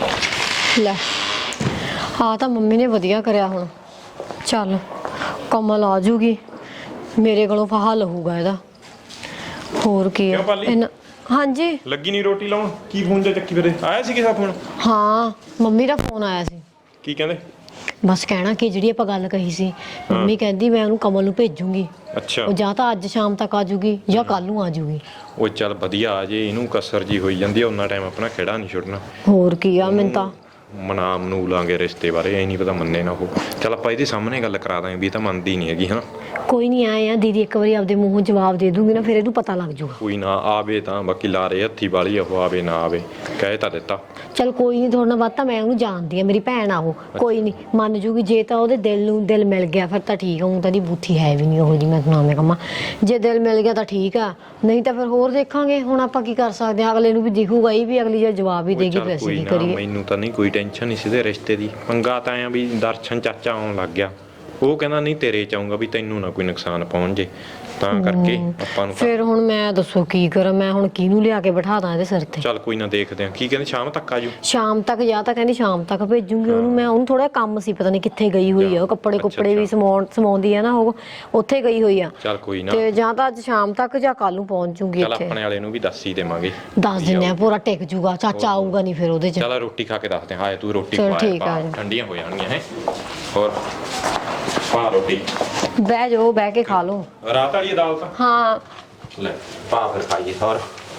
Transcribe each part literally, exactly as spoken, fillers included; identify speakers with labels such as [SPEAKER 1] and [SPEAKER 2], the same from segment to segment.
[SPEAKER 1] ਲੈ ਆ ਤਾਂ ਮੰਮੀ ਨੇ ਵਧੀਆ ਕਰਿਆ ਹੁਣ। ਚੱਲ ਕਮਲ ਆ ਜੂਗੀ, ਮੇਰੇ ਕੋਲੋਂ ਫਾਹਾ ਲਹੂਗਾ ਇਹਦਾ। ਹੋਰ ਕੀ ਹੈ ਇਹਨਾਂ। ਹਾਂਜੀ
[SPEAKER 2] ਲੱਗੀ ਨਹੀਂ ਰੋਟੀ ਲਾਉਣ? ਕੀ ਫੋਨ ਤੇ ਚੱਕੀ ਫਿਰੇ? ਆਇਆ ਸੀ ਕਿਸੇ ਦਾ ਫੋਨ?
[SPEAKER 1] ਹਾਂ ਮੰਮੀ ਦਾ ਫੋਨ ਆਇਆ ਸੀ।
[SPEAKER 2] ਕੀ ਕਹਿੰਦੇ?
[SPEAKER 1] ਬਸ ਕਹਿਣਾ ਕਿ ਜਿਹੜੀ ਆਪਾਂ ਗੱਲ ਕਹੀ ਸੀ, ਮੰਮੀ ਕਹਿੰਦੀ ਮੈਂ ਉਹਨੂੰ ਕਮਲ ਨੂੰ ਭੇਜੂਗੀ।
[SPEAKER 2] ਅੱਛਾ।
[SPEAKER 1] ਉਹ ਜਾਂ ਤਾਂ ਅੱਜ ਸ਼ਾਮ ਤੱਕ ਆ ਜੂਗੀ ਜਾਂ ਕੱਲ ਨੂੰ ਆ ਜੂਗੀ।
[SPEAKER 2] ਉਹ ਚੱਲ ਵਧੀਆ ਆ ਜੇ, ਇਹਨੂੰ ਕਸਰ ਜੀ ਹੋਈ ਜਾਂਦੀ ਆ, ਉਹਨਾਂ ਟਾਈਮ ਆਪਣਾ ਖੇੜਾ ਨਹੀਂ ਛੁੱਟਣਾ।
[SPEAKER 1] ਹੋਰ ਕੀ ਆ, ਮੈਨੂੰ ਤਾਂ
[SPEAKER 2] ਮਨਾ ਮਨੂ ਲਾਂਗੇ ਰਿਸ਼ਤੇ ਬਾਰੇ, ਐ ਨਹੀਂ ਪਤਾ ਮੰਨੇ ਨਾ ਉਹ। ਚੱਲ ਆਪਾਂ ਇਹਦੇ ਸਾਹਮਣੇ ਗੱਲ ਕਰਾ ਦਾਂਗੇ ਵੀ ਇਹ ਤਾਂ ਮੰਨਦੀ ਨਹੀਂ ਹੈਗੀ। ਹਾਂ
[SPEAKER 1] ਕੋਈ ਨਹੀਂ ਆਏ ਆ ਦੀਦੀ, ਇੱਕ ਵਾਰੀ ਆਪਦੇ ਮੂੰਹੋਂ ਜਵਾਬ ਦੇ ਦੂੰਗੀ ਨਾ, ਫਿਰ ਇਹਨੂੰ ਪਤਾ ਲੱਗ ਜੂਗਾ।
[SPEAKER 2] ਕੋਈ ਨਾ ਆਵੇ ਤਾਂ ਬਾਕੀ ਲਾਰੇ ਹੱਥੀ ਵਾਲੀ ਉਹ, ਆਵੇ ਨਾ ਆਵੇ ਕਹਿ ਤਾਂ ਦਿੱਤਾ।
[SPEAKER 1] ਚਲ ਕੋਈ ਨਹੀਂ, ਥੋੜਾ ਨਾ ਬਾਤ ਤਾਂ ਮੈਂ ਉਹਨੂੰ ਜਾਣਦੀ ਆ, ਮੇਰੀ ਭੈਣ ਆ ਉਹ, ਕੋਈ ਨਹੀਂ ਮੰਨ ਜੂਗੀ। ਜੇ ਤਾਂ ਉਹਦੇ ਦਿਲ ਨੂੰ ਦਿਲ ਮਿਲ ਗਿਆ ਫਿਰ ਤਾਂ ਠੀਕ ਆ, ਉਹ ਤਾਂ ਦੀ ਬੂਥੀ ਹੈ ਵੀ ਨਹੀਂ ਉਹ ਜੀ, ਮੈਂ ਸੁਣਾਉਂਦੇ ਕੰਮਾਂ। ਜੇ ਦਿਲ ਮਿਲ ਗਿਆ ਤਾਂ ਠੀਕ ਆ, ਨਹੀਂ ਤਾਂ ਫਿਰ ਹੋਰ ਦੇਖਾਂਗੇ। ਹੁਣ ਆਪਾਂ ਕੀ ਕਰ ਸਕਦੇ ਹਾਂ, ਅਗਲੇ ਨੂੰ ਵੀ ਦਿਖੂਗਾ ਹੀ ਵੀ ਅਗਲੀ ਜੇ ਜਵਾਬ ਹੀ ਦੇਗੀ, ਫਿਰ ਅਸੀਂ ਕੀ ਕਰੀਏ।
[SPEAKER 2] ਮੈਨੂੰ ਤਾਂ ਨਹੀਂ ਕੋਈ ਟੈਨਸ਼ਨ ਨਹੀਂ ਸੀ ਤੇ ਰਿਸ਼ਤੇ ਦੀ। ਪੰਗਾ ਤਾਂ ਆਇਆ ਵੀ ਦਰਸ਼ਨ ਚਾਚਾ ਆਉਣ ਲੱਗ ਗਿਆ, ਉਹ ਕਹਿੰਦਾ ਨਹੀਂ ਤੇਰੇ ਚ ਆਊਂਗਾ ਵੀ ਤੈਨੂੰ ਨਾ ਕੋਈ ਨੁਕਸਾਨ ਪਹੁੰਚ ਜੇ, ਤਾਂ ਕਰਕੇ ਆਪਾਂ ਨੂੰ। ਫਿਰ
[SPEAKER 1] ਹੁਣ ਮੈਂ ਦੱਸੋ ਕੀ ਕਰਾਂ, ਮੈਂ ਹੁਣ ਕਿਹਨੂੰ ਲਿਆ ਕੇ ਬਿਠਾ ਦਾਂ ਇਹਦੇ ਸਿਰ ਤੇ?
[SPEAKER 2] ਚੱਲ ਕੋਈ ਨਾ ਦੇਖਦੇ ਆ। ਕੀ ਕਹਿੰਦੇ ਸ਼ਾਮ ਤੱਕ ਆਜੂ?
[SPEAKER 1] ਸ਼ਾਮ ਤੱਕ, ਜਾਂ ਤਾਂ ਕਹਿੰਦੀ ਸ਼ਾਮ ਤੱਕ ਭੇਜੂਗੀ ਉਹਨੂੰ ਮੈਂ। ਉਹਨੂੰ ਥੋੜਾ ਕੰਮ ਸੀ, ਪਤਾ ਨਹੀਂ ਕਿੱਥੇ ਗਈ ਹੋਈ ਆ, ਉਹ ਕੱਪੜੇ ਕੁੱਪੜੇ ਵੀ ਸਮਾਉਣ ਸਮਾਉਂਦੀ ਆ ਨਾ, ਉਹ ਉੱਥੇ ਗਈ ਹੋਈ ਆ।
[SPEAKER 2] ਚੱਲ ਕੋਈ ਨਾ,
[SPEAKER 1] ਤੇ ਜਾਂ ਤਾਂ ਅੱਜ ਸ਼ਾਮ ਤੱਕ ਜਾਂ ਕੱਲ ਨੂੰ ਪਹੁੰਚ ਜੂਗੀ ਇੱਥੇ।
[SPEAKER 2] ਚੱਲ ਆਪਣੇ ਵਾਲੇ ਨੂੰ ਵੀ ਦੱਸ ਹੀ ਦੇਵਾਂਗੇ,
[SPEAKER 1] ਦੱਸ ਦਿੰਦੇ ਆ, ਪੂਰਾ ਟਿਕ ਜੂਗਾ। ਚਾਚਾ ਆਊਗਾ ਨਹੀਂ ਫਿਰ ਉਹਦੇ ਚ।
[SPEAKER 2] ਚੱਲ ਰੋਟੀ ਖਾ ਕੇ ਦੱਸਦੇ ਹਾਂ। ਤੂੰ ਰੋਟੀ
[SPEAKER 1] ਚਲ
[SPEAKER 2] ਖਵਾ,
[SPEAKER 1] ਠੀਕ ਆ,
[SPEAKER 2] ਠੰਡੀਆਂ ਹੋ ਜਾਣਗੀਆਂ। ਹੈ ਹੋਰ ਪਾ ਰੋਟੀ,
[SPEAKER 1] ਬਹਿ ਜਾਓ, ਬਹਿ ਕੇ ਖਾ ਲਓ।
[SPEAKER 2] ਰਾਤ ਵਾਲੀ ਦਾਲ ਤਾਂ
[SPEAKER 1] ਹਾਂ
[SPEAKER 2] ਲੈ ਪਾ ਫਿਰ ਖਾਈਏ। ਹੋਰ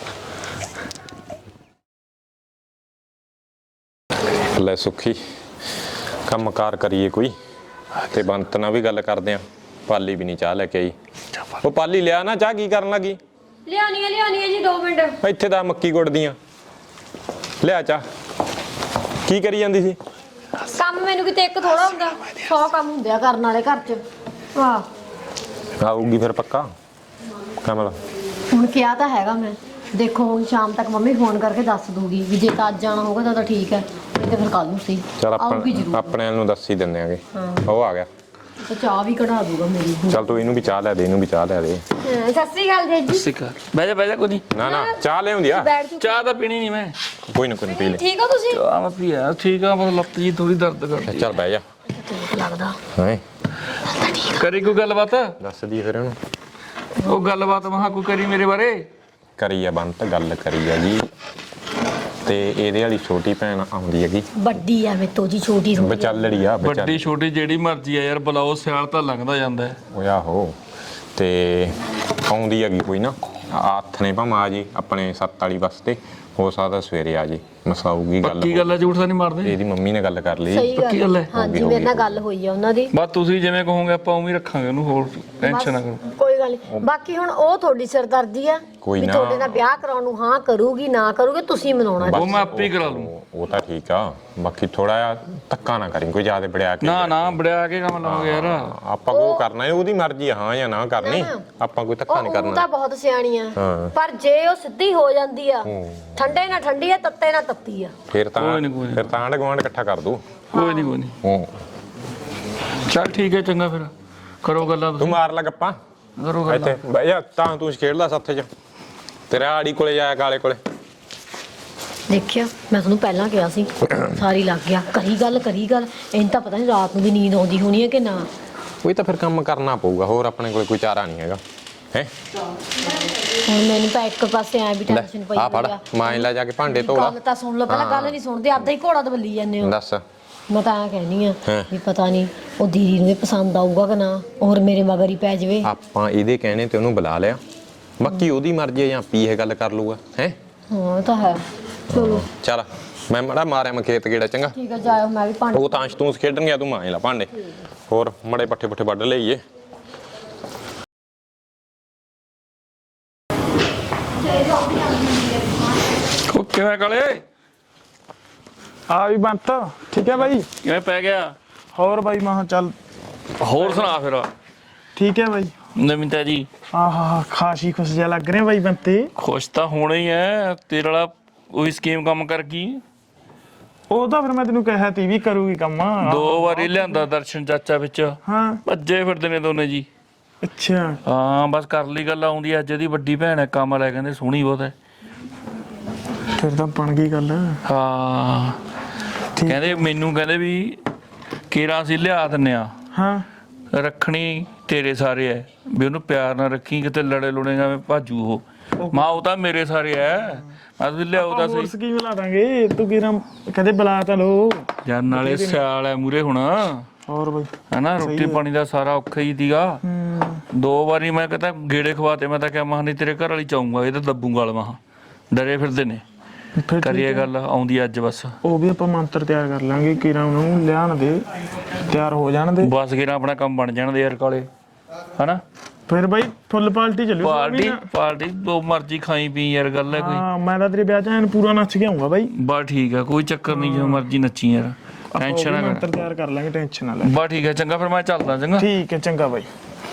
[SPEAKER 2] ਲੈ ਸੁੱਖੀ ਕੰਮ ਕਾਰ ਕਰੀਏ ਕੋਈ, ਤੇ ਬੰਤ ਨਾਲ ਵੀ ਗੱਲ ਕਰਦੇ ਆ। ਪਾਲੀ ਵੀ ਨਹੀਂ ਚਾਹ ਲੈ ਕੇ ਆਈ। ਉਹ ਪਾਲੀ ਲਿਆ ਨਾ ਚਾਹ, ਕੀ ਕਰਨ ਲੱਗੀ?
[SPEAKER 1] ਲਿਆਉਣੀ ਹੈ ਲਿਆਉਣੀ ਹੈ ਜੀ, ਦੋ ਮਿੰਟ।
[SPEAKER 2] ਇੱਥੇ ਤਾਂ ਮੱਕੀ ਗੁੱਟਦੀਆਂ, ਲਿਆ ਚਾਹ। ਕੀ ਕਰੀ ਜਾਂਦੀ ਸੀ?
[SPEAKER 1] ਕੰਮ ਮੈਨੂੰ ਕਿਤੇ ਇੱਕ ਥੋੜਾ ਹੁੰਦਾ, ਸੌ ਕੰਮ ਹੁੰਦੇ ਆ ਕਰਨ ਵਾਲੇ ਘਰ ਚ। ਵਾਹ
[SPEAKER 2] ਆਊਗੀ ਫਿਰ ਪੱਕਾ ਕਮਲ?
[SPEAKER 1] ਹੁਣ ਕਿਹਾ ਤਾਂ ਹੈਗਾ ਮੈਂ, ਦੇਖੋ ਹੁਣ ਸ਼ਾਮ ਤੱਕ ਮੰਮੀ ਫੋਨ ਕਰਕੇ ਦੱਸ ਦੂਗੀ ਵੀ ਜੇ ਤਾਂ ਅੱਜ ਜਾਣਾ ਹੋਗਾ ਤਾਂ ਤਾਂ ਠੀਕ ਹੈ, ਨਹੀਂ ਤੇ ਫਿਰ ਕੱਲ ਨੂੰ ਸਹੀ ਆਊਗੀ ਜ਼ਰੂਰ।
[SPEAKER 2] ਆਪਣੇ ਨੂੰ ਦੱਸ ਹੀ ਦਿੰਦੇ ਆਂਗੇ। ਉਹ ਆ ਗਿਆ
[SPEAKER 1] ਤਾਂ ਚਾਹ ਵੀ ਕਢਾ ਦੂਗਾ ਮੇਰੀ।
[SPEAKER 2] ਚੱਲ ਤੂੰ ਇਹਨੂੰ ਵੀ ਚਾਹ ਲੈ ਦੇ, ਇਹਨੂੰ ਵੀ ਚਾਹ ਲੈ ਦੇ।
[SPEAKER 1] ਸਤਿ ਸ੍ਰੀ ਅਕਾਲ ਜੀ।
[SPEAKER 3] ਸਤਿ ਸ਼੍ਰੀ ਅਕਾਲ। ਬਹਿ ਜਾ ਬਹਿ ਜਾ, ਕੋਈ ਨਹੀਂ।
[SPEAKER 2] ਨਾ ਨਾ ਚਾਹ ਲਿਆਉਂਦੀ ਆ।
[SPEAKER 3] ਚਾਹ ਤਾਂ ਪੀਣੀ ਨਹੀਂ ਮੈਂ।
[SPEAKER 2] ਕੋਈ ਨਾ ਕੋਈ ਨਾ ਪੀ ਲੈ।
[SPEAKER 1] ਠੀਕ ਹੋ ਤੁਸੀਂ?
[SPEAKER 3] ਚਾਹ ਮੈਂ ਪੀਆ ਠੀਕ ਆ, ਬਸ ਲੱਤ ਜੀ ਥੋੜੀ ਦਰਦ ਕਰਦੀ।
[SPEAKER 2] ਚੱਲ ਬਹਿ ਜਾ।
[SPEAKER 1] ਠੀਕ ਲੱਗਦਾ
[SPEAKER 2] ਹਾਂ
[SPEAKER 3] ਕਰੀ ਕੋਈ ਗੱਲਬਾਤ?
[SPEAKER 2] ਦੱਸ ਦੀ ਫਿਰ ਉਹਨੂੰ।
[SPEAKER 3] ਉਹ ਗੱਲਬਾਤ ਮਹਾ ਕੋਈ ਕਰੀ ਮੇਰੇ ਬਾਰੇ।
[SPEAKER 2] ਕਰੀ ਆ ਬੰਤ, ਗੱਲ ਕਰੀ ਆ ਜੀ। ਤੇ ਇਹਦੇ ਵਾਲੀ ਛੋਟੀ ਭੈਣ ਆਉਂਦੀ ਹੈਗੀ।
[SPEAKER 1] ਵੱਡੀ ਆ ਮੇਰੇ ਤੋਂ ਜੀ, ਛੋਟੀ ਥੋੜੀ
[SPEAKER 2] ਵਿਚਾਲੜੀ ਆ।
[SPEAKER 3] ਵੱਡੀ ਛੋਟੀ ਜਿਹੜੀ ਮਰਜ਼ੀ ਆ ਯਾਰ, ਬੁਲਾਓ, ਸਿਆਲ ਤਾਂ ਲੰਘਦਾ ਜਾਂਦਾ।
[SPEAKER 2] ਓਏ ਆਹੋ, ਤੇ ਆਉਂਦੀ ਹੈਗੀ ਕੋਈ ਨਾ। ਹੱਥ ਨੇ ਭਾਵੇਂ ਆ ਜੀ ਆਪਣੇ ਸੱਤ ਵਾਲੀ ਬੱਸ ਤੇ, ਹੋ ਸਕਦਾ ਸਵੇਰੇ ਆ ਜੀ। ਮਸਾਊਗੀ ਗੱਲ।
[SPEAKER 3] ਪੱਕੀ ਗੱਲ ਹੈ, ਝੂਠ ਤਾਂ ਨਹੀਂ ਮਾਰਦੇ?
[SPEAKER 2] ਇਹਦੀ ਮੰਮੀ ਨੇ ਗੱਲ ਕਰ ਲਈ।
[SPEAKER 3] ਪੱਕੀ ਗੱਲ ਹੈ?
[SPEAKER 1] ਹਾਂਜੀ ਮੇਰੇ ਨਾਲ ਗੱਲ ਹੋਈ ਆ ਉਹਨਾਂ ਦੀ।
[SPEAKER 3] ਬਸ ਤੁਸੀਂ ਜਿਵੇਂ ਕਹੋਗੇ ਆਪਾਂ ਉਵੇਂ ਹੀ ਰੱਖਾਂਗੇ ਉਹਨੂੰ, ਹੋਰ ਟੈਨਸ਼ਨ ਨਾ ਕਰੋ।
[SPEAKER 1] ਕੋਈ ਗੱਲ ਨਹੀਂ, ਬਾਕੀ ਹੁਣ ਉਹ ਤੁਹਾਡੀ ਸਿਰਦਰਦੀ ਆ
[SPEAKER 2] ਕੋਈ
[SPEAKER 1] ਵੀ
[SPEAKER 2] ਨਾ।
[SPEAKER 1] ਤੁਹਾਡੇ ਨਾਲ ਵਿਆਹ ਕਰਾਉਣ ਨੂੰ ਹਾਂ ਕਰੂਗੀ ਨਾ ਕਰੂਗੀ, ਤੁਸੀਂ ਮਨਾਉਣਾ।
[SPEAKER 3] ਉਹ ਮੈਂ ਆਪੇ ਹੀ ਕਰਾ ਲੂੰ।
[SPEAKER 2] ਉਹ ਤਾਂ ਠੀਕ ਆ, ਬਾਕੀ ਥੋੜਾ ਜਿਹਾ ਧੱਕਾ ਨਾ ਕਰੀ, ਕੋਈ ਜ਼ਿਆਦਾ ਬੜਿਆ ਕੇ।
[SPEAKER 3] ਨਾ ਨਾ ਬੜਿਆ ਕੇ ਕੰਮ ਲਾਉਂਗੇ ਯਾਰ।
[SPEAKER 2] ਆਪਾਂ ਕੋ ਕਰਨਾ ਹੈ, ਉਹਦੀ ਮਰਜ਼ੀ ਆ ਹਾਂ ਜਾਂ ਨਾ ਕਰਨੀ। ਆਪਾਂ ਕੋਈ ਧੱਕਾ ਨਹੀਂ
[SPEAKER 1] ਉਹ
[SPEAKER 2] ਕਰਨਾ।
[SPEAKER 1] ਤਾਂ ਬਹੁਤ ਸਿਆਣੀ ਆ,
[SPEAKER 2] ਹਾਂ।
[SPEAKER 1] ਪਰ ਜੇ ਉਹ ਸਿੱਧੀ ਹੋ ਜਾਂਦੀ ਆ, ਠੰਡੇ ਨਾਲ ਠੰਡੀ ਆ, ਤੱਤੇ ਨਾਲ ਤੱਤੀ ਆ,
[SPEAKER 2] ਫਿਰ ਤਾਂ
[SPEAKER 3] ਕੋਈ ਨੀ, ਕੋਈ ਨੀ।
[SPEAKER 2] ਫਿਰ ਤਾਂ ਆਂਢ ਗੁਆਂਢ ਇਕੱਠਾ ਕਰ ਦੂ।
[SPEAKER 3] ਕੋਈ ਨਹੀਂ ਕੋਈ ਨਹੀਂ।
[SPEAKER 2] ਹੂੰ
[SPEAKER 3] ਚੱਲ ਠੀਕ ਹੈ, ਚੰਗਾ ਫਿਰ ਕਰੋ ਗੱਲਾਂ
[SPEAKER 2] ਤੂੰ
[SPEAKER 3] ਤੁਸੀਂ।
[SPEAKER 2] ਮਾਰ ਲੈ ਗੱਪਾਂ
[SPEAKER 3] ਕਰੋ ਗੱਲਾਂ।
[SPEAKER 2] ਇੱਥੇ ਬਈ ਯਾ ਤਾਂ ਤੂੰ ਖੇਡਦਾ ਸੱਥੇ ਚ, ਤੇਰਾ ਆੜੀ ਕੋਲੇ ਜਾਇਆ ਕਾਲੇ ਕੋਲੇ।
[SPEAKER 1] ਦੇਖਿਆ ਮੈਂ ਤੁਹਾਨੂੰ ਪਹਿਲਾਂ ਕਿਹਾ ਸੀ, ਸਾਰੀ ਲੱਗ ਗਿਆ। ਕਰੀ ਗੱਲ ਕਰੀ ਗੱਲ, ਇਹਨੂੰ ਤਾਂ ਪਤਾ ਨਹੀਂ ਰਾਤ ਨੂੰ ਵੀ ਨੀਂਦ ਆਉਂਦੀ ਹੋਣੀ ਹੈ ਕਿ ਨਾ।
[SPEAKER 2] ਕੋਈ ਤਾਂ ਫਿਰ ਕੰਮ ਕਰਨਾ ਪਊਗਾ, ਹੋਰ ਆਪਣੇ ਕੋਲ ਕੋਈ ਚਾਰਾ ਨਹੀਂ ਹੈਗਾ। ਹੈ
[SPEAKER 1] ਹੁਣ ਮੈਨੂੰ ਤਾਂ ਇੱਕ ਪਾਸੇ ਐ ਵੀ ਟੈਨਸ਼ਨ ਪਈ
[SPEAKER 2] ਆ ਫੜ, ਮਾਂ ਲੈ ਜਾ ਕੇ ਭਾਂਡੇ ਧੋ ਲਾ।
[SPEAKER 1] ਗੱਲ ਤਾਂ ਸੁਣ ਲਓ ਪਹਿਲਾਂ, ਗੱਲ ਨਹੀਂ ਸੁਣਦੇ, ਆਪਦਾ ਹੀ ਘੋੜਾ ਦਬੱਲੀ ਜਾਂਦੇ ਹੋ।
[SPEAKER 2] ਦੱਸ।
[SPEAKER 1] ਮੈਂ ਤਾਂ ਐਂ ਕਹਿੰਦੀ ਆ ਵੀ ਪਤਾ ਨਹੀਂ ਉਹ ਦੀਦੀ ਨੂੰ ਵੀ ਪਸੰਦ ਆਊਗਾ ਕਿ ਨਾ, ਹੋਰ ਮੇਰੇ ਮਗਰ ਹੀ ਪੈ ਜਾਵੇ।
[SPEAKER 2] ਆਪਾਂ ਇਹਦੇ ਕਹਿਣੇ ਤੇ ਉਹਨੂੰ ਬੁਲਾ ਲਿਆ, ਬਾਕੀ ਉਹਦੀ ਮਰਜ਼ੀ ਹੈ ਜਾਂ ਆਪੀ ਇਹ ਗੱਲ ਕਰ ਲੂਗਾ। ਹੈ
[SPEAKER 1] ਹਾਂ ਤਾਂ ਹੈ। ਚਲੋ
[SPEAKER 2] ਚੱਲ ਮੈਂ ਮੜਾ ਮਾਰਿਆ ਮੈਂ ਖੇਤ ਗੇੜਾ। ਚੰਗਾ
[SPEAKER 1] ਠੀਕ ਹੈ, ਜਾਇਓ, ਮੈਂ ਵੀ ਭਾਂਡੇ।
[SPEAKER 2] ਉਹ ਤਾਂ ਅੰਸ਼ ਤੂੰ ਖੇਡਣ ਗਿਆ, ਤੂੰ ਮਾਂ ਲਾ ਭਾਂਡੇ। ਹੋਰ ਮੜੇ ਪੱਠੇ ਪੁੱਠੇ ਵੱਢ ਲਈਏ।
[SPEAKER 3] ਉਹ ਕਿਵੇਂ ਕਾਲੇ?
[SPEAKER 4] ਆ ਵੀ ਬੰਤ ਠੀਕ ਹੈ ਬਾਈ।
[SPEAKER 3] ਕਿਵੇਂ ਪੈ ਗਿਆ?
[SPEAKER 4] ਹੋਰ ਬਾਈ ਮੈਂ ਕਿਹਾ ਚੱਲ
[SPEAKER 3] ਹੋਰ ਸੁਣਾ ਫਿਰ।
[SPEAKER 4] ਠੀਕ ਹੈ ਬਾਈ।
[SPEAKER 3] ਨਵੀਂ ਤਾਜੀ?
[SPEAKER 4] ਆਹਾ ਖਾਸੀ ਖੁਸ਼ ਜਿਹਾ ਲੱਗ ਰਿਹਾ ਬਾਈ ਬੰਤੇ।
[SPEAKER 3] ਖੁਸ਼ ਤਾਂ ਹੋਣਾ ਹੀ ਐ, ਤੇਰੇ ਵਾਲਾ ਉਹੀ ਸਕੀਮ ਕੰਮ ਕਰ ਗਈ।
[SPEAKER 4] ਉਹ ਤਾਂ ਫਿਰ ਮੈਂ ਤੈਨੂੰ ਕਿਹਾ ਤੀ ਵੀ ਕਰੂਗੀ ਕੰਮ।
[SPEAKER 3] ਦੋ ਵਾਰੀ ਲਿਆਂਦਾ ਦਰਸ਼ਨ ਚਾਚਾ ਵਿੱਚ,
[SPEAKER 4] ਹਾਂ
[SPEAKER 3] ਭੱਜੇ ਫਿਰਦੇ ਨੇ ਦੋਨੇ ਜੀ।
[SPEAKER 4] ਅੱਛਾ
[SPEAKER 3] ਹਾਂ ਬਸ ਕਰ ਲਈ ਗੱਲ। ਆਉਂਦੀ ਅੱਜ ਇਹਦੀ ਵੱਡੀ ਭੈਣ ਹੈ, ਕੰਮ ਲੈ ਕਹਿੰਦੇ ਸੋਹਣੀ ਬਹੁਤ ਹੈ।
[SPEAKER 4] ਫਿਰ ਤਾਂ ਬਣ ਗਈ ਗੱਲ।
[SPEAKER 3] ਹਾਂ ਕਹਿੰਦੇ ਮੈਨੂੰ ਕਹਿੰਦੇ ਵੀ ਕੇਰਾਂ ਅਸੀਂ ਲਿਆ ਦਿੰਨੇ ਆ,
[SPEAKER 4] ਹਾਂ
[SPEAKER 3] ਰੱਖਣੀ ਤੇਰੇ ਸਾਰੇ ਐ, ਵੀ ਉਹਨੂੰ ਪਿਆਰ ਨਾਲ ਰੱਖੀ, ਕਿਤੇ ਲੜੇ ਲੁੜੇਗਾ ਮੈਂ ਭਾਜੂ ਉਹ। ਮਾਂ ਉਹ ਤਾਂ ਮੇਰੇ ਸਾਰੇ ਐ, ਮੈਂ ਤਾਂ ਲਿਆਉ ਤਾਂ
[SPEAKER 4] ਹੋਰ
[SPEAKER 3] ਸਹੀ
[SPEAKER 4] ਸਕੀਮ ਲਾ ਦਾਂਗੇ। ਤੂੰ ਕਿਰਾਂ ਕਹਿੰਦੇ ਬੁਲਾ ਤਾਂ ਲੋ
[SPEAKER 3] ਯਾਰ, ਨਾਲੇ ਸਿਆਲ ਐ ਮੂਰੇ ਹੁਣ
[SPEAKER 4] ਹੋਰ ਬਈ
[SPEAKER 3] ਹਨਾ, ਰੋਟੀ ਪਾਣੀ ਦਾ ਸਾਰਾ ਔਖਾ ਹੀ ਸੀਗਾ। ਦੋ ਵਾਰੀ ਮੈਂ ਕਹਿੰਦਾ ਗੇੜੇ ਖਵਾਤੇ, ਮੈਂ ਤਾਂ ਕਿਹਾ ਮਹਾਂ ਨਹੀਂ ਤੇਰੇ ਘਰ ਵਾਲੀ ਚਾਹੂੰਗਾ, ਇਹ ਤਾਂ ਦੱਬੂਗਾ ਵਾਲ ਮਹਾਂ ਡਰੇ ਫਿਰਦੇ ਨੇ।
[SPEAKER 4] ਫਿਰ
[SPEAKER 3] ਕਰੀਏ ਗੱਲ, ਆਉਂਦੀ ਅੱਜ ਬਸ।
[SPEAKER 4] ਉਹ ਵੀ ਆਪਾਂ ਮੰਤਰ ਤਿਆਰ ਕਰ ਲਾਂਗੇ, ਕਿਰਾਂ ਉਹਨੂੰ ਲਿਆਣ ਦੇ, ਤਿਆਰ ਹੋ ਜਾਣ ਦੇ
[SPEAKER 3] ਬਸ ਕਿਰਾਂ ਆਪਣਾ ਕੰਮ ਬਣ ਜਾਣ ਦੇ ਯਾਰ ਕਾਲੇ, ਹਨਾ।
[SPEAKER 4] ਫਿਰ ਬਾਈ ਫੁੱਲ ਪਾਲਟੀ ਚੱਲੂ
[SPEAKER 3] ਪਾਰਟੀ ਪਾਰਟੀ ਜੋ ਮਰਜੀ ਖਾਈ ਪੀ ਯਾਰ, ਗੱਲ ਹੈ ਕੋਈ।
[SPEAKER 4] ਹਾਂ ਮੈਂ ਤਾਂ ਤੇਰੇ ਵਿਆਹ ਚ ਐਨ ਪੂਰਾ ਨੱਚ ਕੇ ਆਉਂਗਾ ਬਾਈ।
[SPEAKER 3] ਬਸ ਠੀਕ ਆ, ਕੋਈ ਚੱਕਰ ਨਹੀਂ, ਜੋ ਮਰਜੀ ਨੱਚੀ ਯਾਰ, ਟੈਨਸ਼ਨ ਨਾ
[SPEAKER 4] ਮੰਤਰ
[SPEAKER 3] ਕਰ।
[SPEAKER 4] ਤਿਆਰ ਕਰ ਲਾਂਗੇ, ਟੈਨਸ਼ਨ ਨਾ ਲੈ।
[SPEAKER 3] ਬਸ ਠੀਕ ਹੈ, ਚੰਗਾ ਫਿਰ ਮੈਂ ਚੱਲਦਾ, ਚੰਗਾ।
[SPEAKER 4] ਠੀਕ ਹੈ, ਚੰਗਾ ਬਾਈ।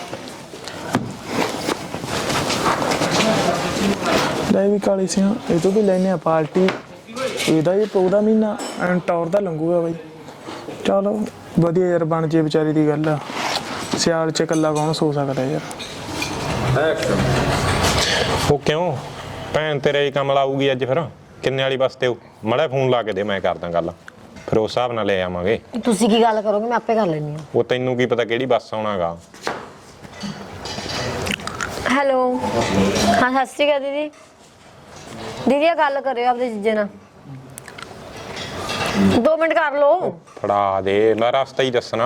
[SPEAKER 4] ਲੈ ਵੀ ਕਾਲੀ ਸਿਆ, ਇਹ ਤੋਂ ਵੀ ਲੈਨੇ ਆ ਪਾਰਟੀ। ਇਹਦਾ ਹੀ ਪਊ ਦਾ ਮਹੀਨਾ ਐਨ ਟੌਰ ਦਾ ਲੰਘੂਗਾ ਬਾਈ। ਚਲੋ ਵਧੀਆ ਯਾਰ, ਬਣ ਜੇ ਵਿਚਾਰੀ ਦੀ ਗੱਲ ਆ। ਸਿਆਲ ਚ ਇਕੱਲਾ ਕੌਣ ਸੋ ਸਕਦਾ ਯਾਰ।
[SPEAKER 2] ਉਹ ਕਿਉਂ ਭੈਣ ਤੇਰੇ ਹੀ ਕੰਮ ਲਾਊਗੀ ਅੱਜ? ਫਿਰ ਕਿੰਨੇ ਵਾਲੀ ਬੱਸ ਤੇ ਉਹ ਮੜਾ ਫੋਨ ਲਾ ਕੇ ਦੇ, ਮੈਂ ਕਰਦਾ ਗੱਲ, ਫਿਰ ਉਸ ਹਿਸਾਬ ਨਾਲ ਲੈ ਆਵਾਂਗੇ।
[SPEAKER 1] ਤੁਸੀਂ ਕੀ ਗੱਲ ਕਰੋਗੇ, ਮੈਂ ਆਪੇ ਕਰ ਲੈਣੀ ਆ।
[SPEAKER 2] ਉਹ ਤੈਨੂੰ ਕੀ ਪਤਾ ਕਿਹੜੀ ਬੱਸ ਆਉਣਾਗਾ।
[SPEAKER 1] ਹੈਲੋ, ਹਾਂ ਸਤਿ ਸ਼੍ਰੀ ਅਕਾਲ ਦੀਦੀ। ਦੀਦੀ ਆ ਗੱਲ ਕਰਿਓ ਆਪਦੇ ਜੀਜੇ ਨਾਲ, ਦੋ ਮਿੰਟ ਕਰ ਲਓ।
[SPEAKER 2] ਫੜਾ ਦੇ, ਮੈਂ ਰਸਤਾ ਹੀ ਦੱਸਣਾ।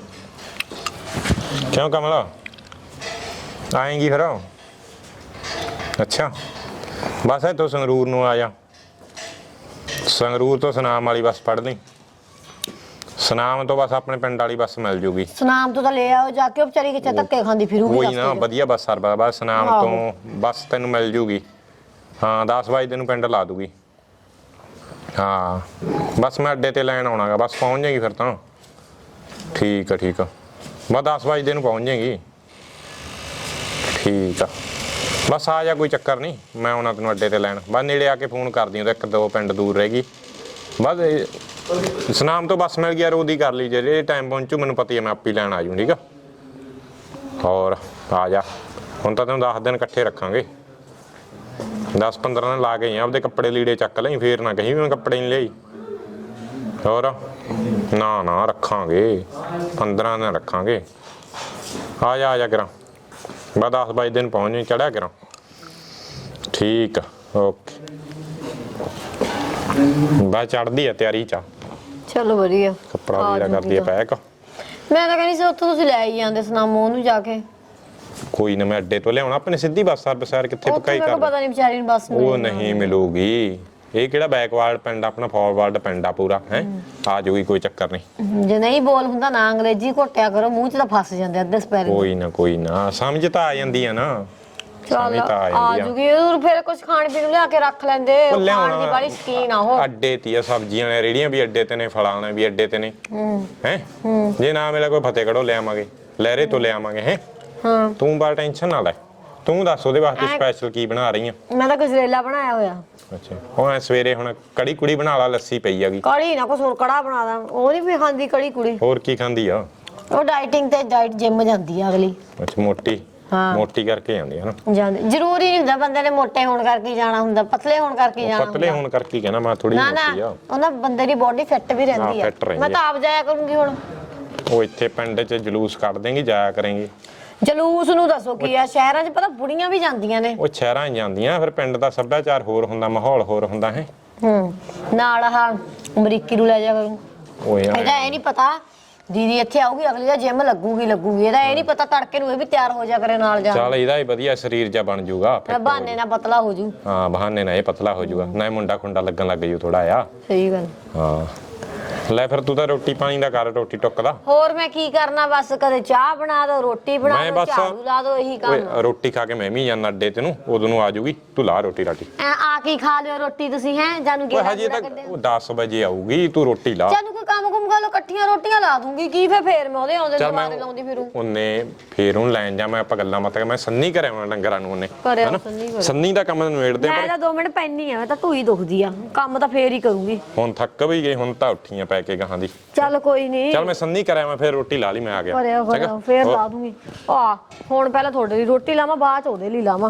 [SPEAKER 2] ਕਿਉਂ ਕਮਲਾ ਆਏਂਗੀ ਫਿਰ? ਅੱਛਾ ਬਸ ਇੱਥੋਂ ਸੰਗਰੂਰ ਨੂੰ ਆ ਜਾ, ਸੰਗਰੂਰ ਤੋਂ ਸੁਨਾਮ ਵਾਲੀ ਬੱਸ ਫੜ ਲਈ, ਸੁਨਾਮ ਤੋਂ ਬਸ ਆਪਣੇ ਪਿੰਡ ਵਾਲੀ ਬੱਸ ਮਿਲ ਜੂਗੀ।
[SPEAKER 1] ਸੁਨਾਮ ਤੋਂ ਤਾਂ ਲੈ ਆਓ ਜਾ ਕੇ, ਉਹ ਵਿਚਾਰੀ ਕਿੱਥੇ ਧੱਕੇ ਖਾਂਦੀ ਫਿਰੂਗੀ।
[SPEAKER 2] ਕੋਈ ਨਾ, ਵਧੀਆ ਬੱਸ ਸਰਵਾ, ਬਸ ਸੁਨਾਮ ਤੋਂ ਬੱਸ ਤੈਨੂੰ ਮਿਲ ਜੂਗੀ। ਹਾਂ ਦਸ ਵਜੇ ਤੈਨੂੰ ਪਿੰਡ ਲਾ ਦੂਗੀ। ਹਾਂ ਬਸ ਮੈਂ ਅੱਡੇ ਤੇ ਲੈਣ ਆਉਣਾਗਾ, ਬਸ ਪਹੁੰਚ ਜਾਏਗੀ ਫਿਰ ਤਾਂ। ਠੀਕ ਆ ਠੀਕ ਆ, ਬਸ ਦਸ ਵਜੇ ਨੂੰ ਪਹੁੰਚ ਜਾਏਗੀ। ਠੀਕ ਆ, ਬਸ ਆ ਜਾ, ਕੋਈ ਚੱਕਰ ਨਹੀਂ, ਮੈਂ ਆਉਣਾ ਤੈਨੂੰ ਅੱਡੇ ਤੇ ਲੈਣ। ਬਸ ਨੇੜੇ ਆ ਕੇ ਫੋਨ ਕਰਦੀ ਹਾਂ, ਇੱਕ ਦੋ ਪਿੰਡ ਦੂਰ ਰਹਿ ਗਈ। ਬਸ ਸੁਨਾਮ ਤੋਂ ਬੱਸ ਮਿਲ ਗਿਆ, ਉਹਦੀ ਕਰ ਲਈ, ਜੇ ਟਾਈਮ ਪਹੁੰਚੂ ਮੈਨੂੰ ਪਤਾ ਹੀ ਹੈ, ਮੈਂ ਆਪੇ ਲੈਣ ਆ ਜੂ। ਠੀਕ ਆ, ਹੋਰ ਆ ਜਾ। ਹੁਣ ਤਾਂ ਤੈਨੂੰ ਦਸ ਦਿਨ ਇਕੱਠੇ ਰੱਖਾਂਗੇ, ਦਸ ਪੰਦਰਾਂ ਦਿਨ ਲਾ ਕੇ ਆਪਦੇ ਕੱਪੜੇ ਲੀੜੇ ਚੱਕ ਲਈ, ਫੇਰ ਨਾ ਕਹੀਂ ਮੈਂ ਕੱਪੜੇ ਨਹੀਂ ਲਿਆਈ। ਹੋਰ ਨਾ ਨਾ ਰੱਖਾਂਗੇ, ਪੰਦਰਾਂ ਦਿਨ ਰੱਖਾਂਗੇ। ਆ ਜਾ ਆ ਜਾ ਕਰਾਂ, ਬਸ ਦਸ ਬਾਈ ਦਿਨ ਪਹੁੰਚ ਜਾਈ, ਚੜਿਆ ਕਰਾਂ। ਠੀਕ ਆ, ਓਕੇ। ਬਸ ਚੜਦੀ ਆ ਤਿਆਰੀ ਚ।
[SPEAKER 1] ਚਲੋ ਵਧੀਆ,
[SPEAKER 2] ਕੱਪੜਾ ਵੀਰਾ ਕਰਦੀ ਆ ਪੈਕ।
[SPEAKER 1] ਮੈਂ ਤਾਂ ਕਹਿੰਦੀ ਸੀ ਉੱਥੋਂ ਤੁਸੀਂ ਲੈ ਹੀ ਜਾਂਦੇ ਸੁਨਾਮੋਂ ਨੂੰ ਜਾ ਕੇ।
[SPEAKER 2] ਕੋਈ ਨਾ, ਮੈਂ ਅੱਡੇ ਤੋਂ ਲਿਆਉਣਾ, ਆਪਣੇ ਸਿੱਧੀ ਬੱਸ ਸਰਵਿਸ ਯਾਰ, ਕਿੱਥੇ ਪਕਾਈ ਕਰ।
[SPEAKER 1] ਪਤਾ ਨਹੀਂ ਵਿਚਾਰੀ ਨੂੰ ਬੱਸ
[SPEAKER 2] ਉਹ ਨਹੀਂ ਮਿਲੂਗੀ, ਇਹ ਕਿਹੜਾ ਬੈਕਵਰਡ ਪਿੰਡ, ਆਪਣਾ ਫਾਰਵਰਡ ਪਿੰਡ ਆ ਪੂਰਾ ਹੈ। ਆ ਜਾਊਗੀ, ਕੋਈ ਚੱਕਰ ਨਹੀਂ।
[SPEAKER 1] ਜੇ ਨਹੀਂ ਬੋਲ ਹੁੰਦਾ ਨਾ ਅੰਗਰੇਜ਼ੀ ਘੋਟਿਆ ਕਰੋ, ਮੂੰਹ 'ਚ ਤਾਂ ਫਸ ਜਾਂਦੇ ਅੱਧੇ ਸਪੈਲਿੰਗ।
[SPEAKER 2] ਕੋਈ ਨਾ ਕੋਈ ਨਾ, ਸਮਝ ਤਾਂ ਆ ਜਾਂਦੀ ਆ ਨਾ,
[SPEAKER 1] ਚੱਲ
[SPEAKER 2] ਸਮਝ ਤਾਂ ਆ
[SPEAKER 1] ਆ
[SPEAKER 2] ਜਾਂਦੀ ਆ।
[SPEAKER 1] ਜੂਗੀ, ਉਹ ਫਿਰ ਕੁਝ ਖਾਣ ਪੀਣ ਨੂੰ ਲਿਆ ਕੇ ਰੱਖ ਲੈਂਦੇ, ਉਹ ਖਾਣ ਦੀ ਬੜੀ ਸ਼ਕੀਨ ਆ ਉਹ।
[SPEAKER 2] ਅੱਡੇ ਤੇ ਆ, ਸਬਜ਼ੀਆਂ ਵਾਲੀਆਂ ਰੇੜੀਆਂ ਵੀ ਅੱਡੇ ਤੇ ਨੇ, ਫਲਾਂ ਵਾਲੇ ਵੀ ਅੱਡੇ ਤੇ ਨੇ ਹੈ। ਜੇ ਨਾ ਮਿਲੇ ਕੋਈ ਫਤਿਹਗੜ੍ਹੋਂ ਲੈ ਆਵਾਂਗੇ, ਲਹਿਰੇ ਤੋਂ ਲੈ ਆਵਾਂਗੇ ਹੈ।
[SPEAKER 1] ਹਾਂ
[SPEAKER 2] ਤੂੰ ਬਾ ਟੈਨਸ਼ਨ ਨਾ ਲੈ, ਤੂੰ ਦੱਸ ਉਹਦੇ ਵਾਸਤੇ ਸਪੈਸ਼ਲ ਕੀ ਬਣਾ ਰਹੀ ਆ?
[SPEAKER 1] ਮੈਂ ਤਾਂ ਗਜਰੇਲਾ ਬਣਾਇਆ ਹੋਇਆ।
[SPEAKER 2] ਅੱਛਾ, ਉਹ ਸਵੇਰੇ ਹੁਣ ਕੜੀ ਕੁੜੀ ਬਣਾ ਲਾ, ਲੱਸੀ ਪਈ ਹੈਗੀ।
[SPEAKER 1] ਕੜੀ ਨਾ ਕੁਛ ਹੋਰ ਕੜਾ ਬਣਾ ਦਾਂ, ਉਹ ਨਹੀਂ ਵੀ ਖਾਂਦੀ ਕੜੀ ਕੁੜੀ।
[SPEAKER 2] ਹੋਰ ਕੀ ਖਾਂਦੀ ਆ
[SPEAKER 1] ਉਹ ਡਾਈਟਿੰਗ ਤੇ ਡਾਈਟ ਜਿਮ ਜਾਂਦੀ ਆ ਅਗਲੀ।
[SPEAKER 2] ਅੱਛਾ ਮੋਟੀ, ਮੋਟੀ ਕਰਕੇ ਜਾਂਦੀ ਹੈ ਨਾ।
[SPEAKER 1] ਜਾਂਦੀ ਜ਼ਰੂਰੀ ਨਹੀਂ ਹੁੰਦਾ ਬੰਦੇ ਨੇ ਮੋਟੇ ਹੋਣ ਕਰਕੇ ਜਾਣਾ ਹੁੰਦਾ, ਪਤਲੇ ਹੋਣ ਕਰਕੇ ਜਾਣਾ।
[SPEAKER 2] ਪਤਲੇ ਹੋਣ ਕਰਕੇ ਕਹਿਣਾ ਮੈਂ ਥੋੜੀ
[SPEAKER 1] ਨਾ
[SPEAKER 2] ਮੋਟੀ ਆ।
[SPEAKER 1] ਨਾ, ਉਹਨਾਂ ਬੰਦੇ ਦੀ ਬੋਡੀ ਫਿੱਟ ਵੀ ਰਹਿੰਦੀ ਆ। ਮੈਂ ਤਾਂ ਆਪ ਜਾਇਆ ਕਰੂੰਗੀ ਹੁਣ।
[SPEAKER 2] ਉਹ ਇੱਥੇ ਪਿੰਡ 'ਚ ਜਲੂਸ ਕੱਢ ਦੇਂਗੀ, ਜਾਇਆ ਕਰਾਂਗੇ।
[SPEAKER 1] ਜਲੂਸ ਨੂੰ ਦੱਸੋ ਕੀ ਆ, ਸ਼ਹਿਰਾਂ 'ਚ ਪਤਾ ਬੁੜੀਆਂ ਵੀ ਜਾਂਦੀਆਂ ਨੇ।
[SPEAKER 2] ਉਹ ਸ਼ਹਿਰਾਂ 'ਚ ਜਾਂਦੀਆਂ, ਫਿਰ ਪਿੰਡ ਦਾ ਸੱਭਿਆਚਾਰ ਹੋਰ ਹੁੰਦਾ, ਮਾਹੌਲ ਹੋਰ ਹੁੰਦਾ ਹੈ।
[SPEAKER 1] ਹੂੰ, ਨਾਲ ਆਹ ਅਮਰੀਕੀ ਨੂੰ ਲੈ ਜਾ ਕਰੂੰ।
[SPEAKER 2] ਓਏ
[SPEAKER 1] ਇਹਦਾ ਇਹ ਨਹੀਂ ਪਤਾ ਦੀਦੀ ਇੱਥੇ ਆਊਗੀ, ਅਗਲੀ ਦਾ ਜਿਮ ਲੱਗੂਗੀ ਲੱਗੂਗੀ ਇਹਦਾ ਇਹ ਨਹੀਂ ਪਤਾ ਤੜਕੇ ਨੂੰ ਇਹ ਵੀ ਤਿਆਰ ਹੋ ਜਾ ਕਰੇ ਨਾਲ ਜਾ।
[SPEAKER 2] ਚੱਲ ਇਹਦਾ ਹੀ ਵਧੀਆ ਸਰੀਰ ਜਾ ਬਣ ਜਾਊਗਾ,
[SPEAKER 1] ਬਹਾਨੇ ਨਾਲ ਪਤਲਾ ਹੋ ਜੂ।
[SPEAKER 2] ਹਾਂ ਬਹਾਨੇ ਨਾਲ ਇਹ ਪਤਲਾ ਹੋ ਜਾਊਗਾ, ਨਾ ਮੁੰਡਾ ਖੁੰਡਾ ਲੱਗਣ ਲੱਗ ਜੂ ਥੋੜਾ ਆ।
[SPEAKER 1] ਸਹੀ ਗੱਲ।
[SPEAKER 2] ਹਾਂ ਲੈ ਫਿਰ ਤੂੰ ਤਾਂ ਰੋਟੀ ਪਾਣੀ ਦਾ ਕਰ, ਰੋਟੀ ਟੁੱਕ ਦਾ।
[SPEAKER 1] ਹੋਰ ਮੈਂ ਕੀ ਕਰਨਾ, ਬਸ ਕਦੇ ਚਾਹ ਬਣਾ ਦੋ, ਰੋਟੀ ਬਣਾ
[SPEAKER 2] ਮੈਂ
[SPEAKER 1] ਦੋ,
[SPEAKER 2] ਬਸ
[SPEAKER 1] ਝਾੜੂ ਲਾ ਦੋ, ਇਹੀ ਕੰਮ।
[SPEAKER 2] ਓਏ ਰੋਟੀ ਖਾ ਕੇ ਮੈਂ ਵੀ ਜਾਣਾ ਅੱਡੇ ਤੇ ਨੂੰ, ਉਦੋਂ ਨੂੰ ਆ ਜਾਊਗੀ, ਤੂੰ ਲਾ ਰੋਟੀ ਰਾਟੀ।
[SPEAKER 1] ਐ ਆ ਕੇ ਖਾ ਲਿਓ ਰੋਟੀ ਤੁਸੀਂ ਹੈ, ਜਾਨੂੰ
[SPEAKER 2] ਓਏ
[SPEAKER 1] ਗੇੜਾ
[SPEAKER 2] ਹਜੇ
[SPEAKER 1] ਗੂੜਾ
[SPEAKER 2] ਤੱਕ
[SPEAKER 1] ਕੱਢਿਆ।
[SPEAKER 2] ਉਹ ਦਸ ਵਜੇ ਆਊਗੀ, ਤੂੰ ਰੋਟੀ ਲਾ।
[SPEAKER 1] ਜਾਨੂੰ ਕੋਈ ਕੰਮ ਕੁਮ ਕਰ ਲੋ, ਇਕੱਠੀਆਂ ਰੋਟੀਆਂ ਲਾ ਦੂੰਗੀ, ਕੀ ਫੇਰ ਫੇਰ ਮੈਂ ਉਹਦੇ ਆਉਂਦੇ ਦੁਬਾਰੇ ਲਾਉਂਦੀ ਫਿਰੂ।
[SPEAKER 2] ਉਹਨੇ ਫੇਰ ਉਹਨੂੰ ਲੈਣ ਜਾ, ਮੈਂ ਆਪਾਂ ਗੱਲਾਂ ਮਤ ਮੈਂ ਸੰਨੀ ਕਰਿਆ ਮੈਂ ਡੰਗਰਾਂ ਨੂੰ, ਉਹਨੇ
[SPEAKER 1] ਕਰਿਆ ਸੰਨੀ ਕਰਿਆ।
[SPEAKER 2] ਸੰਨੀ ਦਾ ਕੰਮ ਨਿਬੇੜਦੇ
[SPEAKER 1] ਮੈਂ ਤਾਂ ਦੋ ਮਿੰਟ ਪੈਣੀ ਆ, ਮੈਂ ਤਾਂ ਢੂਈ ਦੁਖਦੀ ਆ, ਕੰਮ ਤਾਂ ਫੇਰ ਹੀ ਕਰੂੰਗੀ।
[SPEAKER 2] ਹੁਣ ਥੱਕ ਵੀ ਗਈ, ਹੁਣ ਤਾਂ ਉੱਠੀਆਂ ਪੈ ਕੇ ਗਾਹਾਂ ਦੀ।
[SPEAKER 1] ਚੱਲ ਕੋਈ ਨਹੀਂ,
[SPEAKER 2] ਚੱਲ ਮੈਂ ਸੰਨੀ ਕਰਿਆ, ਮੈਂ ਫੇਰ ਰੋਟੀ ਲਾ ਲਈ, ਮੈਂ ਆ ਗਿਆ।
[SPEAKER 1] ਕਰਿਆ ਕਰਿਆ ਫੇਰ ਲਾ ਦੂੰਗੀ। ਆ ਹੁਣ ਪਹਿਲਾਂ ਤੁਹਾਡੇ ਲਈ ਰੋਟੀ ਲਾਵਾਂ, ਬਾਅਦ ਚ ਉਹਦੇ ਲਈ ਲਾਵਾਂ।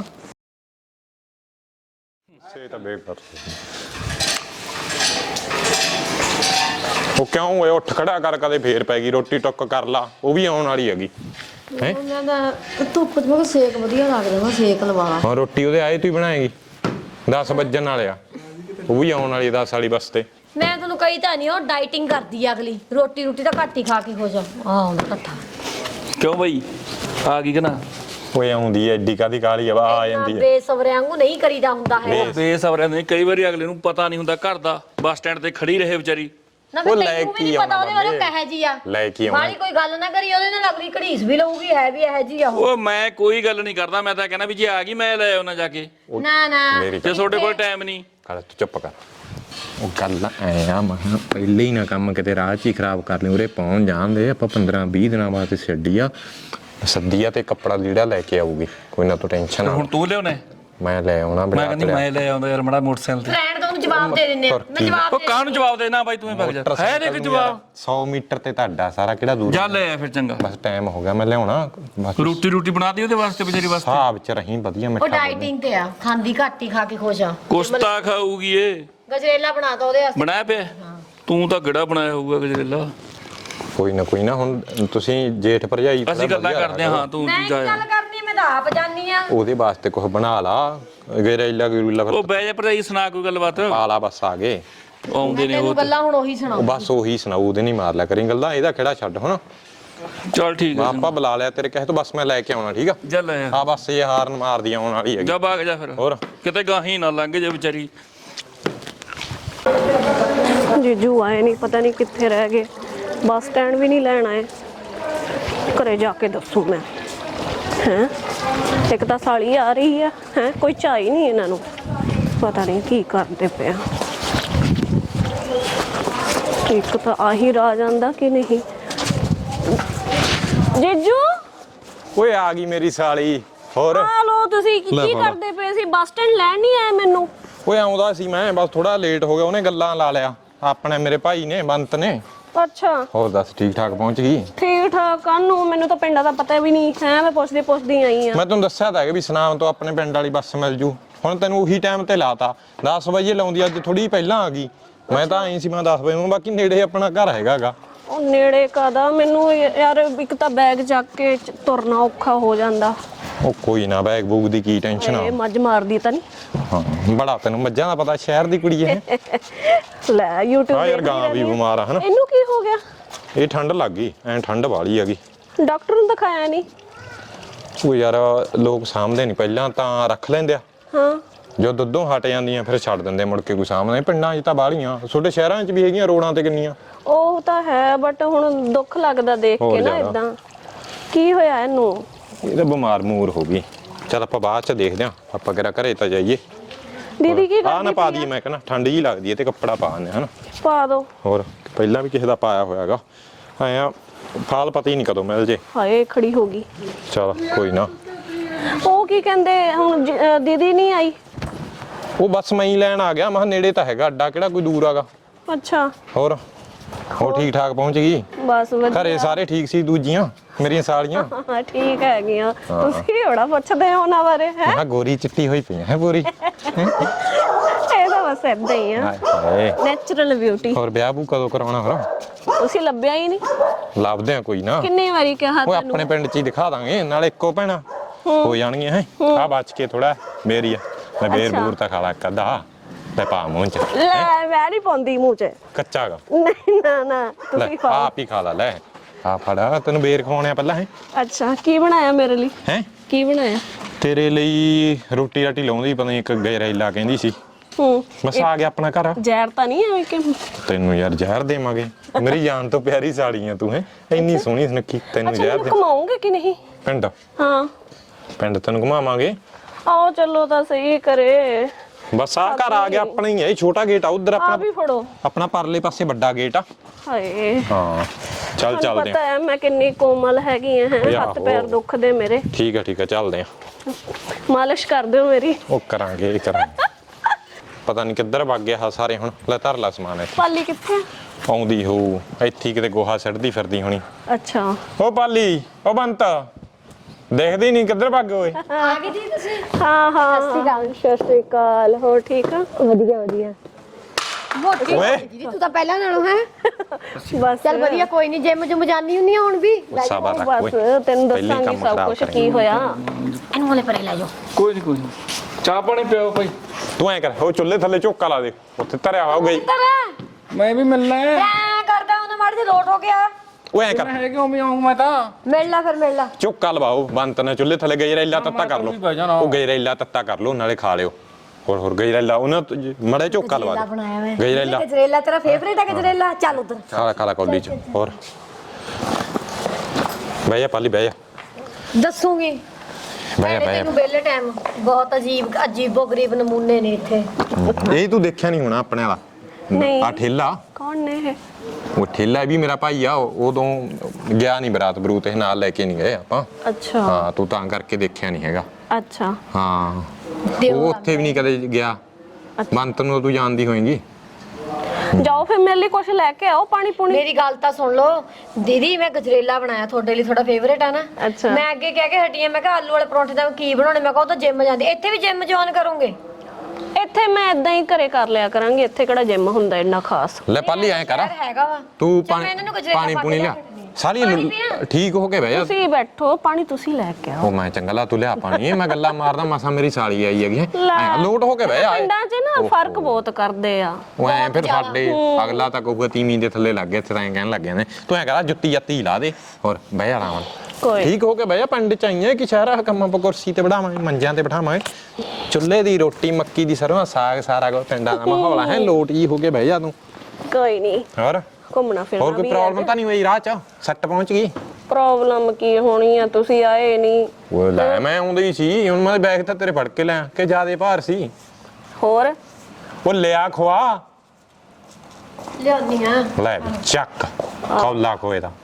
[SPEAKER 2] ਸੇ ਤਾਂ ਬੇਕਾਰ ਉਹ ਕਿਉਂ ਓਏ ਉੱਠ ਖੜਾ ਕਰ, ਕਦੇ ਫੇਰ ਪੈ ਗਈ, ਰੋਟੀ ਟੁੱਕ ਕਰ ਲਾ, ਉਹ ਵੀ ਆਉਣ ਵਾਲੀ ਹੈਗੀ ਹੈ।
[SPEAKER 1] ਉਹਨਾਂ ਦਾ ਧੁੱਪ ਚ ਮੈਂ ਸੇਕ ਵਧੀਆ ਲੱਗਦਾ, ਮੈਂ ਸੇਕ ਲਵਾ ਲਾ।
[SPEAKER 2] ਹਾਂ ਰੋਟੀ ਉਹਦੇ ਆਏ ਤੂੰ ਹੀ ਬਣਾਏਗੀ, ਦਸ ਵੱਜਣ ਵਾਲੇ ਆ, ਉਹ ਵੀ ਆਉਣ ਵਾਲੀ ਦਸ ਵਾਲੀ ਬਸ ਤੇ।
[SPEAKER 1] ਮੈਂ ਤੁਹਾਨੂੰ ਕਹੀ ਤਾਂ ਨਹੀਂ, ਉਹ ਡਾਈਟਿੰਗ ਕਰਦੀ ਆ ਅਗਲੀ, ਰੋਟੀ ਰੋਟੀ ਤਾਂ ਘੱਟ ਹੀ ਖਾ ਕੇ ਹੋ ਜਾ। ਆ ਹੁੰਦਾ ਇਕੱਠਾ
[SPEAKER 3] ਕਿਉਂ ਬਈ ਆ ਗਈ ਕਿ ਨਾ?
[SPEAKER 2] ਓਏ ਆਉਂਦੀ ਐ ਐਡੀ ਕਾਦੀ ਕਾਲੀ ਆ ਆ ਜਾਂਦੀ ਐ।
[SPEAKER 1] ਬੇਸਬਰਿਆਂ ਵਾਂਗੂ ਨਹੀਂ ਕਰੀਦਾ ਹੁੰਦਾ ਹੈ।
[SPEAKER 3] ਬੇਸਬਰਿਆਂ ਨਹੀਂ, ਕਈ ਵਾਰੀ ਅਗਲੇ ਨੂੰ ਪਤਾ ਨਹੀਂ ਹੁੰਦਾ ਘਰ ਦਾ, ਬੱਸ ਸਟੈਂਡ ਤੇ ਖੜੀ ਰਹੇ ਵਿਚਾਰੀ।
[SPEAKER 1] ਨਾ
[SPEAKER 2] ਉਹ
[SPEAKER 1] ਮੈਂ
[SPEAKER 2] ਲੈ
[SPEAKER 1] ਤੈਨੂੰ ਵੀ
[SPEAKER 2] ਕੇ
[SPEAKER 1] ਨਹੀਂ ਪਤਾ ਉਹਦੇ ਬਾਰੇ
[SPEAKER 2] ਆਉਣਾ
[SPEAKER 1] ਕਹੇ ਜੀ ਆ।
[SPEAKER 2] ਲੈ ਕੇ ਆਉਣਾ।
[SPEAKER 1] ਮਾੜੀ ਕੋਈ ਗੱਲ ਨਾ ਕਰੀ ਉਹਦੇ ਨਾਲ, ਅਗਲੀ ਘੜੀਸ ਵੀ ਲਊਗੀ, ਹੈ ਵੀ ਇਹ ਜੀ ਆ ਉਹ।
[SPEAKER 3] ਉਹ ਮੈਂ ਕੋਈ ਗੱਲ ਨਹੀਂ ਕਰਦਾ, ਮੈਂ ਤਾਂ ਕਹਿੰਦਾ ਵੀ ਜੇ ਆ ਗਈ ਮੈਂ ਲੈ ਆਉਣਾ ਜਾ ਕੇ,
[SPEAKER 1] ਨਾ ਨਾ
[SPEAKER 2] ਮੇਰੀ
[SPEAKER 3] ਜੇ ਤੁਹਾਡੇ ਕੋਲ ਟਾਈਮ ਨਹੀਂ।
[SPEAKER 2] ਗੱਲ ਤੂੰ ਚੁੱਪ ਕਰ। ਉਹ ਗੱਲ ਐ ਆ ਮੈਂ ਕਿਹਾ ਪਹਿਲੇ ਹੀ ਨਾ ਕੰਮ ਕਿਤੇ ਰਾਹ 'ਚ ਹੀ ਖਰਾਬ ਕਰ ਲਈ, ਉਰੇ ਪਹੁੰਚ ਜਾਂਦੇ ਆਪਾਂ ਪੰਦਰਾਂ ਵੀਹ ਦਿਨਾਂ ਬਾਅਦ ਛੱਡੀ ਆ ਸੱਦੀ ਆ ਤੇ ਕੱਪੜਾ ਲੀੜਾ ਲੈ ਕੇ ਆਊਗੀ, ਕੋਈ ਨਾ ਤੂੰ ਟੈਨਸ਼ਨ ਨਾ।
[SPEAKER 3] ਹੁਣ ਤੂੰ ਲਿਆਉਣਾ?
[SPEAKER 2] ਮੈਂ ਲੈ ਆਉਣਾ।
[SPEAKER 3] ਮੈਂ ਕਹਿੰਦੀ ਮੈਂ ਲੈ ਆਉਂਦਾ ਯਾਰ ਮੜਾ ਮੋਟਰਸਾਈਕਲ ਤੇ।
[SPEAKER 1] ਫਰੈਂਡ ਤੋਂ ਜਵਾਬ ਦੇ ਦਿੰਨੇ ਆ, ਮੈਂ ਜਵਾਬ
[SPEAKER 3] ਉਹ ਕਾਹਨੂੰ ਜਵਾਬ ਦੇਣਾ ਬਾਈ, ਤੂੰ ਹੀ ਭੱਜ ਜਾ। ਹੈ ਦੇਖ ਜਵਾਬ।
[SPEAKER 2] ਸੌ ਮੀਟਰ ਤੇ ਤੁਹਾਡਾ ਸਾਰਾ ਕਿਹੜਾ ਦੂਰ।
[SPEAKER 3] ਜਾ ਲੈ ਆ ਫਿਰ ਚੰਗਾ,
[SPEAKER 2] ਬਸ ਟਾਈਮ ਹੋ ਗਿਆ, ਮੈਂ ਲਿਆਉਣਾ ਬਸ।
[SPEAKER 3] ਰੋਟੀ ਰੋਟੀ ਬਣਾ ਦੀ ਉਹਦੇ ਵਾਸਤੇ, ਵਿਚਾਰੀ ਵਾਸਤੇ।
[SPEAKER 2] ਹਿਸਾਬ 'ਚ ਰਹੀਂ ਵਧੀਆ
[SPEAKER 1] ਉਹ
[SPEAKER 2] ਮਿੱਠਾ
[SPEAKER 1] ਡਾਈਟਿੰਗ ਤੇ ਆ, ਖਾਂਦੀ ਘੱਟ ਹੀ ਖਾ ਕੇ ਖੁਸ਼ ਆ।
[SPEAKER 3] ਕੁਸਤਾ ਖਾਊਗੀ ਏ।
[SPEAKER 1] ਗਜਰੇਲਾ ਬਣਾ ਤਾ ਉਹਦੇ ਵਾਸਤੇ।
[SPEAKER 3] ਬਣਾਇਆ ਪਿਆ? ਤੂੰ ਤਾਂ ਗੜਾ ਬਣਾਇਆ ਹੋਊਗਾ ਗਜਰੇਲਾ।
[SPEAKER 2] ਕੋਈ ਨਾ ਕੋਈ ਨਾ, ਹੁਣ ਤੁਸੀਂ ਜੇਠ ਭਰਜਾਈ
[SPEAKER 3] ਅਸੀਂ ਗੱਲਾਂ ਕਰਦੇ ਹਾਂ, ਤੂੰ
[SPEAKER 1] ਮੈਂ
[SPEAKER 3] ਜਾ।
[SPEAKER 1] ਕੀ ਗੱਲ ਕਰਨੀ, ਮੈਂ ਤਾਂ ਆਪ ਜਾਨੀ ਆ।
[SPEAKER 2] ਉਹਦੇ ਵਾਸਤੇ ਕੁਝ ਬਣਾ ਲਾ, ਗਰੇਲਾ ਗਰੂਲਾ
[SPEAKER 3] ਉਹ
[SPEAKER 2] ਫਿਰ
[SPEAKER 3] ਬਹਿ ਜਾ ਭਰਾਈ, ਸੁਣਾ ਕੋਈ ਗੱਲਬਾਤ।
[SPEAKER 2] ਪਾ ਲਾ, ਬਸ ਆ ਗਏ
[SPEAKER 3] ਆਉਂਦੇ ਨੇ
[SPEAKER 1] ਤੈਨੂੰ
[SPEAKER 3] ਉਹ।
[SPEAKER 1] ਗੱਲਾਂ ਹੁਣ ਉਹੀ ਸੁਣਾਓ।
[SPEAKER 2] ਉਹ ਬਸ ਉਹੀ ਸੁਣਾਊ, ਉਹਦੇ ਨਹੀਂ ਮਾਰ ਲਿਆ ਕਰੀ ਗੱਲਾਂ, ਇਹਦਾ ਕਿਹੜਾ ਛੱਡ ਹੁਣ।
[SPEAKER 3] ਚੱਲ ਠੀਕ ਹੈ,
[SPEAKER 2] ਆਪਾਂ ਬੁਲਾ ਲਿਆ ਤੇਰੇ ਕਹੇ ਤੋਂ, ਬਸ ਮੈਂ ਲੈ ਕੇ ਆਉਣਾ, ਠੀਕ ਆ।
[SPEAKER 3] ਜਾ ਲੈ ਆ।
[SPEAKER 2] ਹਾਂ ਬਸ ਇਹ ਹਾਰਨ ਮਾਰਦੀ ਆਉਣ ਵਾਲੀ ਹੈਗੀ।
[SPEAKER 3] ਜਾ ਭਾਗ ਜਾ ਫਿਰ,
[SPEAKER 2] ਹੋਰ
[SPEAKER 3] ਕਿਤੇ ਗਾਹੀ ਨਾ ਲੰਘ ਜੇ ਵਿਚਾਰੀ।
[SPEAKER 5] ਜੀਜੂ ਆਏ ਨਹੀਂ, ਪਤਾ ਨਹੀਂ ਕਿੱਥੇ ਰਹਿ ਗਏ, ਬੱਸ ਸਟੈਂਡ ਵੀ ਨਹੀਂ ਲੈਣ ਆਏ। ਘਰੇ ਜਾ ਕੇ ਦੱਸੂ ਮੈਂ। ਹੈ ਇੱਕ ਤਾਂ ਸਾਲੀ ਆ ਰਹੀ ਆ, ਹੈ ਕੋਈ ਚਾਈ ਨਹੀਂ ਇਹਨਾਂ ਨੂੰ, ਪਤਾ ਨਹੀਂ ਕੀ ਕਰਦੇ ਪਿਆ। ਇੱਕ ਤਾਂ ਆਹੀ ਰਾਜ ਆਂਦਾ ਕਿ ਨਹੀਂ। ਜੀਜੂ
[SPEAKER 2] ਓਏ ਆ ਗਈ ਮੇਰੀ ਸਾਲੀ। ਹੋਰ
[SPEAKER 5] ਆ ਲੋ, ਤੁਸੀਂ ਕੀ
[SPEAKER 2] ਲੈ
[SPEAKER 5] ਕੀ
[SPEAKER 2] ਫੜ।
[SPEAKER 5] ਕਰਦੇ ਪਏ ਸੀ? ਬੱਸ ਸਟੈਂਡ ਲੈਣ ਨਹੀਂ ਆਏ ਮੈਨੂੰ?
[SPEAKER 2] ਓਏ ਆਉਂਦਾ ਸੀ ਮੈਂ, ਬਸ ਥੋੜਾ ਲੇਟ ਹੋ ਗਿਆ, ਉਹਨੇ ਗੱਲਾਂ ਲਾ ਲਿਆ ਆਪਣੇ ਮੇਰੇ ਭਾਈ ਨੇ, ਬੰਤ ਨੇ।
[SPEAKER 5] ਅੱਛਾ
[SPEAKER 2] ਹੋਰ ਦੱਸ, ਠੀਕ ਠਾਕ ਪਹੁੰਚ ਗਈ?
[SPEAKER 5] ਠੀਕ ਠਾਕ। ਕਾਹਨੂੰ, ਮੈਨੂੰ ਤਾਂ ਪਿੰਡਾਂ ਦਾ ਪਤਾ ਵੀ ਨਹੀਂ ਹੈ, ਮੈਂ ਪੁੱਛਦੀ ਪੁੱਛਦੀ ਆਈ ਆ।
[SPEAKER 2] ਮੈਂ ਤੈਨੂੰ ਦੱਸਿਆ ਤਾਂ ਹੈ ਵੀ ਸੁਨਾਮ ਤੋਂ ਆਪਣੇ ਪਿੰਡ ਵਾਲੀ ਬੱਸ ਮਿਲ ਜੂ, ਹੁਣ ਤੈਨੂੰ ਉਹੀ ਟਾਈਮ ਤੇ ਲਾਤਾ। ਦਸ ਵਜੇ ਲਾਉਂਦੀ, ਅੱਜ ਥੋੜੀ ਪਹਿਲਾਂ ਆ ਗਈ। ਮੈਂ ਤਾਂ ਆਈ ਸੀ, ਮੈਂ ਦਸ ਵਜੇ ਨੂੰ, ਬਾਕੀ ਨੇੜੇ ਆਪਣਾ ਘਰ ਹੈਗਾਗਾ।
[SPEAKER 5] ਉਹ ਨੇੜੇ ਕਾਦਾ, ਮੈਨੂੰ ਯਾਰ ਇੱਕ ਤਾਂ ਬੈਗ ਚੱਕ ਕੇ ਚ- ਤੁਰਨਾ ਔਖਾ ਹੋ ਜਾਂਦਾ।
[SPEAKER 2] ਉਹ ਕੋਈ ਨਾ, ਬੈਗ ਬੂਗ ਦੀ ਕੀ ਟੈਨਸ਼ਨ
[SPEAKER 5] ਇਹ
[SPEAKER 2] ਆ।
[SPEAKER 5] ਮੱਝ ਮਾਰਦੀ ਤਾਂ ਨਹੀਂ?
[SPEAKER 2] ਹਾਂ ਬੜਾ ਤੈਨੂੰ ਮੱਝਾਂ ਦਾ ਪਤਾ, ਸ਼ਹਿਰ ਦੀ ਕੁੜੀ ਹੈ।
[SPEAKER 5] ਲੈ YouTube
[SPEAKER 2] ਹਾਂ ਯਾਰ,
[SPEAKER 5] ਦੇਖਦੀ
[SPEAKER 2] ਗਾਂ ਵੀ
[SPEAKER 5] ਰਹਿੰਦੀ ਆ।
[SPEAKER 2] ਬਿਮਾਰ ਆ ਹਨਾ।
[SPEAKER 5] ਇਹਨੂੰ ਕੀ ਹੋ ਗਿਆ?
[SPEAKER 2] ਇਹ ਠੰਡ ਲੱਗ ਗਈ, ਐ ਠੰਡ ਵਾਲੀ ਹੈਗੀ।
[SPEAKER 5] ਡਾਕਟਰ ਨੂੰ ਦਿਖਾਇਆ ਨਹੀਂ?
[SPEAKER 2] ਉਹ ਯਾਰ ਲੋਕ ਸਾਂਭਦੇ ਨਹੀਂ, ਪਹਿਲਾਂ ਤਾਂ ਰੱਖ ਲੈਂਦੇ ਆ,
[SPEAKER 5] ਹਾਂ
[SPEAKER 2] ਜੋ ਦੁੱਧੋਂ ਹਟ ਜਾਂਦੀਆਂ ਫਿਰ ਛੱਡ ਦਿੰਦੇ, ਮੁੜ ਕੇ ਕੋਈ ਸਾਂਭਦਾ। ਪਿੰਡਾਂ 'ਚ ਤਾਂ ਬਾਹਲੀਆਂ, ਛੋਟੇ ਸ਼ਹਿਰਾਂ 'ਚ ਵੀ ਹੈਗੀਆਂ, ਰੋਡਾਂ ਤੇ ਕਿੰਨੀਆਂ।
[SPEAKER 5] ਉਹ ਤਾਂ ਹੈ, ਬਟ ਹੁਣ ਦੁੱਖ ਲੱਗਦਾ ਦੇਖ
[SPEAKER 2] ਹੋਰ
[SPEAKER 5] ਕੇ ਨਾ।
[SPEAKER 2] ਜ਼ਿਆਦਾ।
[SPEAKER 5] ਇਦਾਂ ਕੀ ਹੋਇਆ ਇਹਨੂੰ?
[SPEAKER 2] ਇਹ ਤਾਂ ਬਿਮਾਰ ਮੂਰ ਹੋ ਗਈ। ਚੱਲ ਆਪਾਂ ਬਾਅਦ 'ਚ ਦੇਖਦੇ ਆਂ, ਆਪਾਂ ਕਿਹੜਾ ਘਰੇ ਤਾਂ ਜਾਈਏ।
[SPEAKER 5] ਦੀਦੀ ਕੀ
[SPEAKER 2] ਆ ਨਾ
[SPEAKER 5] ਕਰਦੀ
[SPEAKER 2] ਪਾ
[SPEAKER 5] ਪਈ
[SPEAKER 2] ਦਈਏ, ਮੈਂ ਕਹਿੰਦਾ ਠੰਡ ਜੀ ਲੱਗਦੀ ਹੈ ਤੇ ਕੱਪੜਾ ਪਾ ਆਨੇ ਹਨਾ।
[SPEAKER 5] ਪਾ ਦੋ।
[SPEAKER 2] ਹੋਰ ਪਹਿਲਾਂ ਵੀ ਕਿਸੇ ਦਾ ਪਾਇਆ ਹੋਇਆਗਾ, ਐ ਆ ਫਾਲ ਪਤਾ ਹੀ ਨਹੀਂ ਕਦੋਂ ਮਿਲ ਜੇ।
[SPEAKER 5] ਹਾਏ ਖੜੀ ਹੋ ਗਈ।
[SPEAKER 2] ਚਲ ਕੋਈ ਨਾ।
[SPEAKER 5] ਉਹ ਕੀ ਕਹਿੰਦੇ ਹੁਣ, ਜ- ਅਹ ਦੀਦੀ ਨਹੀਂ ਆਈ?
[SPEAKER 2] ਉਹ ਬਸ ਮੈਂ ਹੀ ਲੈਣ ਆ ਗਿਆ, ਮੈਂ ਕਿਹਾ ਨੇੜੇ ਤਾਂ ਹੈਗਾ, ਅੱਡਾ ਕਿਹੜਾ ਕੋਈ ਦੂਰ ਆਗਾ।
[SPEAKER 5] ਅੱਛਾ
[SPEAKER 2] ਹੋਰ ਹੋਰ ਠੀਕ ਠਾਕ ਪਹੁੰਚ ਗਈ?
[SPEAKER 5] ਬਸ ਵਧੀਆ।
[SPEAKER 2] ਘਰੇ ਸਾਰੇ ਠੀਕ ਸੀ? ਦੂਜੀਆਂ ਮੇਰੀਆਂ ਸਾਲੀਆਂ?
[SPEAKER 5] ਹਾਂ ਠੀਕ ਹੈਗੀਆਂ। ਤੁਸੀਂ ਬੜਾ ਪੁੱਛਦੇ ਹੋ ਉਹਨਾਂ ਬਾਰੇ। ਹੈ
[SPEAKER 2] ਮੈਂ ਕਿਹਾ ਗੋਰੀ ਚਿੱਟੀ ਹੋਈ ਪਈ ਹੈ ਪੂਰੀ।
[SPEAKER 5] ਇਹ ਤਾਂ ਬਸ ਏਦਾਂ ਹੀ ਆ,
[SPEAKER 2] ਹਾਏ ਹਾਏ।
[SPEAKER 5] Natural beauty.
[SPEAKER 2] ਹੋਰ ਵਿਆਹ ਬੂ ਕਦੋਂ ਕਰਾਉਣਾ ਫਿਰ?
[SPEAKER 5] ਤੁਸੀਂ ਲੱਭਿਆ ਹੀ ਨਹੀਂ।
[SPEAKER 2] ਲੱਭਦੇ ਆ ਕੋਈ ਨਾ।
[SPEAKER 5] ਕਿੰਨੀ ਵਾਰੀ ਕਿਹਾ
[SPEAKER 2] ਓਏ
[SPEAKER 5] ਤੈਨੂੰ?
[SPEAKER 2] ਆਪਣੇ ਪਿੰਡ 'ਚ ਹੀ ਦਿਖਾ ਦਾਂਗੇ, ਨਾਲੇ ਇੱਕੋ ਭੈਣਾ ਹੋ ਜਾਣਗੀਆਂ ਹੈ। ਆ ਬਚ ਕੇ ਥੋੜਾ ਮੇਰੀ ਆ, ਮੈਂ ਬੇਰ
[SPEAKER 5] ਅੱਛਾ।
[SPEAKER 2] ਬੂਰ ਤਾਂ ਖਾ ਲਾ ਕਦਾ ਲੈ ਪਾ ਮੂੰਹ 'ਚ।
[SPEAKER 5] ਲੈ ਮੈਂ ਨਹੀਂ ਪਾਉਂਦੀ ਮੂੰਹ 'ਚ।
[SPEAKER 2] ਕੱਚਾ ਗਾ
[SPEAKER 5] ਨਹੀਂ ਨਾ ਨਾ,
[SPEAKER 2] ਲੈ
[SPEAKER 5] ਤੁਸੀਂ ਖਾਓ।
[SPEAKER 2] ਆਪ ਹੀ ਖਾ ਲਾ, ਲੈ ਆ ਫੜਾ, ਤੈਨੂੰ ਬੇਰ ਖਵਾਉਣੇ ਆ ਪਹਿਲਾਂ ਹੈ।
[SPEAKER 5] ਅੱਛਾ ਕੀ ਬਣਾਇਆ ਮੇਰੇ ਲਈ?
[SPEAKER 2] ਹੈ
[SPEAKER 5] ਕੀ ਬਣਾਇਆ?
[SPEAKER 2] ਤੇਰੇ ਲਈ ਰੋਟੀ ਰਾਟੀ ਲਾਉਂਦੀ, ਪਤਾ ਨਹੀਂ ਇੱਕ ਗੈਰੇਲਾ ਕਹਿੰਦੀ ਸੀ।
[SPEAKER 5] ਹੂੰ
[SPEAKER 2] ਬਸ ਆ ਗਿਆ ਆਪਣਾ ਘਰ।
[SPEAKER 5] ਜ਼ਹਿਰ ਤਾਂ ਨਹੀਂ ਐਵੇਂ ਕਿ?
[SPEAKER 2] ਤੈਨੂੰ ਯਾਰ ਜ਼ਹਿਰ ਦੇਵਾਂਗੇ, ਮੇਰੀ ਜਾਨ ਤੋਂ ਪਿਆਰੀ ਸਾਲੀ ਆ ਤੂੰ, ਹੈ ਇੰਨੀ ਸੋਹਣੀ ਸੁਨੱਖੀ, ਤੈਨੂੰ
[SPEAKER 5] ਅੱਛਾ
[SPEAKER 2] ਜ਼ਹਿਰ
[SPEAKER 5] ਮੈਨੂੰ
[SPEAKER 2] ਦੇ।
[SPEAKER 5] ਕਮਾਉਂਗੇ ਕਿ ਨਹੀਂ?
[SPEAKER 2] ਪਿੰਡ
[SPEAKER 5] ਹਾਂ
[SPEAKER 2] ਪਿੰਡ ਤੈਨੂੰ ਘੁਮਾਵਾਂਗੇ।
[SPEAKER 5] ਆਓ ਚੱਲੋ ਤਾਂ ਸਹੀ ਕਰੇ।
[SPEAKER 2] ਬਸ ਆ ਘਰ ਆ ਗਿਆ ਆਪਣਾ ਹੀ ਹੈ, ਇਹ ਛੋਟਾ ਗੇਟ ਆ, ਉਧਰ
[SPEAKER 5] ਆ
[SPEAKER 2] ਆਪਣਾ
[SPEAKER 5] ਵੀ ਫੜੋ।
[SPEAKER 2] ਆਪਣਾ ਪਰਲੇ ਪਾਸੇ ਵੱਡਾ ਗੇਟ ਆ।
[SPEAKER 5] ਹਾਏ
[SPEAKER 2] ਹਾਂ ਚੱਲ
[SPEAKER 5] ਤੁਹਾਨੂੰ
[SPEAKER 2] ਚੱਲਦੇ
[SPEAKER 5] ਪਤਾ
[SPEAKER 2] ਆ।
[SPEAKER 5] ਹੈ ਮੈਂ ਕਿੰਨੀ ਕੋਮਲ ਹੈਗੀ ਆ, ਹੈ
[SPEAKER 2] ਓਏ
[SPEAKER 5] ਹੱਥ
[SPEAKER 2] ਆਹੋ।
[SPEAKER 5] ਪੈਰ ਦੁਖਦੇ ਮੇਰੇ।
[SPEAKER 2] ਠੀਕ ਆ ਠੀਕ ਆ, ਚੱਲਦੇ ਆ।
[SPEAKER 5] ਮਾਲਿਸ਼ ਕਰ ਦਿਓ ਮੇਰੀ।
[SPEAKER 2] ਉਹ ਕਰਾਂਗੇ ਇਹ ਕਰਾਂਗੇ। ਪਤਾ ਨਹੀਂ ਕਿੱਧਰ ਵਗ ਗਿਆ ਆ ਸਾਰੇ, ਹੁਣ ਲੈ ਧਰ ਲਾ ਸਮਾਨ ਇੱਥੇ।
[SPEAKER 5] ਪਾਲੀ ਕਿੱਥੇ ਆ?
[SPEAKER 2] ਆਉਂਦੀ ਹੋਊ ਇੱਥੇ ਹੀ ਕਿਤੇ ਗੋਹਾ ਸਿੱਟਦੀ ਫਿਰਦੀ ਹੋਣੀ।
[SPEAKER 5] ਅੱਛਾ
[SPEAKER 2] ਉਹ ਪਾਲੀ, ਉਹ ਬੰਤ, ਦੇਖਦੀ ਨਹੀਂ ਕਿੱਧਰ ਭੱਗ ਓਏ।
[SPEAKER 1] ਆ ਗਈ ਜੀ ਤੁਸੀਂ?
[SPEAKER 5] ਹਾਂ ਹਾਂ ਸਤਿ ਸ਼੍ਰੀ ਅਕਾਲ। ਹੋਰ ਠੀਕ ਆ?
[SPEAKER 1] ਵਧੀਆ ਵਧੀਆ। ਮੋਟੀ
[SPEAKER 2] ਓਏ।
[SPEAKER 1] ਦੀਦੀ ਤੂੰ ਤਾਂ ਪਹਿਲਾਂ ਨਾਲੋਂ ਹੈ
[SPEAKER 5] ਬਸ
[SPEAKER 1] ਚੱਲ ਵਧੀਆ ਕੋਈ ਨਹੀਂ ਜਿਮ ਜੁਮ ਜਾਨੀ ਹੁੰਨੀ ਆ ਹੁਣ ਵੀ
[SPEAKER 2] ਸਬਰ ਰੱਖ
[SPEAKER 5] ਬਸ
[SPEAKER 2] ਓਏ
[SPEAKER 5] ਤੈਨੂੰ
[SPEAKER 2] ਪਹਿਲੀ
[SPEAKER 5] ਦੱਸਾਂਗੀ
[SPEAKER 2] ਕੰਮ
[SPEAKER 5] ਸਭ
[SPEAKER 2] ਖਰਾਬ
[SPEAKER 5] ਕੁਝ
[SPEAKER 2] ਕਰੇਂਗੀ।
[SPEAKER 5] ਕੀ ਹੋਇਆ।
[SPEAKER 1] ਇਹਨੂੰ ਹਲੇ ਪਰੇ ਲੈ ਜਾਓ
[SPEAKER 3] ਕੋਈ ਨਹੀਂ ਕੋਈ ਨਹੀਂ ਚਾਹ ਪਾਣੀ ਪਿਓ ਭਾਈ
[SPEAKER 2] ਤੂੰ ਐ ਕਰ ਉਹ ਚੁੱਲ੍ਹੇ ਥੱਲੇ ਝੋਕਾ ਲਾ ਦੇ ਉੱਥੇ ਧਰਿਆ ਵਾ ਉਹ ਗਈ
[SPEAKER 3] ਮੈਂ ਵੀ ਮਿਲਣਾ ਹੈ
[SPEAKER 1] ਐ ਕਰਦਾ ਉਹਨਾਂ ਮਾੜੇ ਜਿਹਾ ਲੋਟ ਹੋ ਗਿਆ
[SPEAKER 2] ਉਹ ਐ ਕਰ
[SPEAKER 3] ਮੈਂ ਹੈ ਕਿਉਂ ਵੀ ਆਉਂ ਮੈਂ ਤਾਂ
[SPEAKER 1] ਮਿਲ ਲਾ ਫਿਰ ਮਿਲ ਲਾ
[SPEAKER 2] ਝੋਕਾ ਲਵਾਓ ਬੰਤ ਨੇ ਚੁੱਲ੍ਹੇ ਥੱਲੇ ਗਜਰੇਲਾ ਤੱਤਾ ਕਰ
[SPEAKER 3] ਮੈਂ ਤਾਂ ਵੀ
[SPEAKER 2] ਲਓ
[SPEAKER 3] ਬਹਿ ਜਾਣਾ।
[SPEAKER 2] ਉਹ ਗਜਰੇਲਾ ਤੱਤਾ ਕਰ ਲਓ ਨਾਲੇ ਖਾ ਲਿਓ ਹੋਰ ਹੋਰ ਗਜਰੇਲਾ ਉਹਨਾਂ ਮੜੇ ਝੋਕਾ ਲਵਾ
[SPEAKER 1] ਗਜਰੇਲਾ
[SPEAKER 2] ਦੇ
[SPEAKER 1] ਬਣਾਇਆ ਮੈਂ
[SPEAKER 2] ਗਜਰੇਲਾ
[SPEAKER 1] ਗਜਰੇਲਾ ਤੇਰਾ ਫੇਵਰੇਟ ਹੈ ਗਜਰੇਲਾ ਚੱਲ ਉਧਰ
[SPEAKER 2] ਖਾਲਾ ਖਾਲਾ ਕੌਲੀ ਚ ਹੋਰ ਬਹਿ ਜਾ ਪਾਲੀ ਬਹਿ ਜਾ
[SPEAKER 1] ਦੱਸੂਗੀ
[SPEAKER 2] ਬਹਿ ਜਾ ਬਹਿ
[SPEAKER 1] ਤੈਨੂੰ ਵੇਲੇ ਟਾਈਮ ਬਹੁਤ ਅਜੀਬ ਅਜੀਬੋ ਗਰੀਬ ਨਮੂਨੇ ਨੇ ਇੱਥੇ
[SPEAKER 2] ਜਾ ਇਹ ਤੂੰ ਦੇਖਿਆ ਨਹੀਂ ਹੋਣਾ ਆਪਣੇ ਵਾਲਾ
[SPEAKER 5] ਨਹੀਂ।
[SPEAKER 2] ਆ ਠੇਲਾ
[SPEAKER 5] ਕੌਣ ਨੇ ਇਹ?
[SPEAKER 2] ਉਹ ਠੇਲਾ ਵੀ ਮੇਰਾ ਭਾਈ ਆ ਉਹ- ਉਦੋਂ ਗਿਆ ਨਹੀਂ ਬਰਾਤ ਬਰੂਤ ਇਹ ਨਾਲ ਲੈ ਕੇ ਨਹੀਂ ਗਏ ਆਪਾਂ
[SPEAKER 5] ਅੱਛਾ
[SPEAKER 2] ਹਾਂ ਤੂੰ ਤਾਂ ਕਰਕੇ ਦੇਖਿਆ ਨਹੀਂ ਹੈਗਾ
[SPEAKER 5] ਅੱਛਾ
[SPEAKER 2] ਹਾਂ
[SPEAKER 1] ਦਿਓ
[SPEAKER 2] ਉਹ ਉੱਥੇ ਵੀ ਨਹੀਂ ਕਦੇ ਗਿਆ ਬੰਤ ਨੂੰ ਤੂੰ ਜਾਣਦੀ ਹੋਏਗੀ
[SPEAKER 5] ਜਾਓ ਫਿਰ ਮੇਰੇ ਲਈ ਕੁਝ ਲੈ ਕੇ ਆਓ ਪਾਣੀ ਪੂਣੀ।
[SPEAKER 1] ਮੇਰੀ ਗੱਲ ਤਾਂ ਸੁਣ ਲਓ ਦੀਦੀ ਮੈਂ ਗਜਰੇਲਾ ਬਣਾਇਆ ਤੁਹਾਡੇ ਲਈ ਤੁਹਾਡਾ ਫੇਵਰੇਟ ਆ ਨਾ
[SPEAKER 5] ਅੱਛਾ।
[SPEAKER 1] ਮੈਂ ਅੱਗੇ ਕਹਿ ਕੇ ਹਟੀ ਆ ਮੈਂ ਕਿਹਾ ਆਲੂ ਵਾਲੇ ਪਰੌਂਠੇ ਦਾ ਕੀ ਬਣਾਉਣੇ ਮੈਂ ਕਿਹਾ ਉਹ ਤਾਂ ਜਿਮ ਜਾਂਦੇ ਇੱਥੇ ਵੀ ਜਿਮ ਜੁਆਇਨ ਕਰੋਗੇ
[SPEAKER 5] ਇੱਥੇ ਮੈਂ ਇਦਾਂ ਹੀ ਘਰੇ ਕਰ ਲਿਆ ਕਰਾਂਗੀ ਇੱਥੇ ਕਿਹੜਾ ਜਿਮ ਹੁੰਦਾ ਇੰਨਾ ਖਾਸ।
[SPEAKER 2] ਲੈ ਪਾਲੀ ਐ ਕਰ
[SPEAKER 1] ਯਾਰ ਹੈਗਾ ਵਾ
[SPEAKER 2] ਤੂੰ
[SPEAKER 1] ਚੱਲ ਮੈਂ ਇਹਨਾਂ ਨੂੰ
[SPEAKER 2] ਪਾਣੀ
[SPEAKER 1] ਗਜਰੇਲਾ
[SPEAKER 2] ਪਾਣੀ
[SPEAKER 1] ਪਾ ਕੇ
[SPEAKER 2] ਪੂਣੀ ਲਿਆ
[SPEAKER 1] ਲਿਆ
[SPEAKER 2] ਸਾਰੀ
[SPEAKER 1] ਪਾਣੀ ਪੀਣਾ?
[SPEAKER 2] ਠੀਕ ਹੋ ਕੇ ਬਹਿ ਜਾ
[SPEAKER 5] ਤੁਸੀਂ ਬੈਠੋ ਪਾਣੀ ਤੁਸੀਂ ਲੈ ਕੇ ਆਓ।
[SPEAKER 2] ਉਹ ਮੈਂ ਚੰਗਾ ਲਾ ਤੂੰ ਲਿਆ ਪਾਣੀ ਮੈਂ ਗੱਲਾਂ ਮਾਰਦਾ ਮਸਾ ਮੇਰੀ ਸਾਲੀ ਆਈ ਹੈਗੀ ਹੈਂ।
[SPEAKER 5] ਲੈ।
[SPEAKER 2] ਐਂ ਲੋਟ ਹੋ ਕੇ ਬਹਿ ਜਾ
[SPEAKER 5] ਪਿੰਡਾਂ 'ਚ ਨਾ ਫਰਕ ਬਹੁਤ ਕਰਦੇ ਆ।
[SPEAKER 2] ਉਹ ਐ ਫਿਰ ਸਾਡੇ ਅਗਲਾ ਤਾਂ ਕਹੂਗਾ ਤੀਵੀਂ ਦੇ ਥੱਲੇ ਲੱਗ ਗਿਆ ਇੱਥੇ ਤਾਂ ਐਂ ਕਹਿਣ ਲੱਗ ਗਏ ਨੇ ਤੂੰ ਐ ਕਰਾ ਜੁੱਤੀ ਜੱਤੀ ਲਾ ਦੇ ਹੋਰ ਬਹਿ ਜਾ ਆਰਾਮ ਨਾਲ
[SPEAKER 5] ਕੋਈ
[SPEAKER 2] ਠੀਕ ਹੋ ਕੇ ਬਹਿ ਜਾ ਪਿੰਡ ਚ ਆਈਆਂ ਕਿ ਸ਼ਹਿਰ ਆ ਕੰਮਾਂ ਪਾ ਕੁਰਸੀ ਤੇ ਬਿਠਾਵਾਂਗੇ ਮੰਜਿਆਂ ਤੇ ਬਿਠਾਵਾਂਗੇ ਚੁੱਲ੍ਹੇ ਦੀ ਰੋਟੀ ਮੱਕੀ ਦੀ ਸਰੋਂ ਦਾ ਸਾਗ ਸਾਰਾ ਕੁਝ ਪਿੰਡਾਂ ਦਾ ਮਾਹੌਲ ਹੈ ਲੋਟ ਜੀ ਹੋ ਕੇ ਬਹਿ ਜਾ ਤੂੰ
[SPEAKER 5] ਕੋਈ ਨਹੀਂ
[SPEAKER 2] ਹੋਰ
[SPEAKER 5] ਘੁੰਮਣਾ ਫਿਰਨਾ
[SPEAKER 2] ਹੋਰ ਕੋਈ ਪ੍ਰੋਬਲਮ ਤਾਂ ਨਹੀਂ ਹੋਈ ਰਾਹ ਚ ਸੱਟ ਪਹੁੰਚ ਗਈ
[SPEAKER 5] ਪ੍ਰੋਬਲਮ ਕੀ ਹੋਣੀ ਆ ਤੁਸੀਂ ਆਏ ਨਹੀਂ।
[SPEAKER 2] ਉਹ ਲੈ ਮੈਂ ਆਉਂਦਾ ਹੀ ਸੀ ਹੁਣ ਮੈਂ ਬੈਗ ਤਾਂ ਤੇਰੇ ਫੜ ਕੇ ਲਿਆ ਕਿ ਜਿਆਦੇ ਭਾਰ ਸੀ
[SPEAKER 5] ਹੋਰ
[SPEAKER 2] ਉਹ ਲਿਆ ਖਵਾ
[SPEAKER 1] ਲਿਆਉਣੀ ਆ
[SPEAKER 2] ਲੈ ਵੀ ਚੱਕ ਖੌਲਾ ਖੋਏ ਦਾ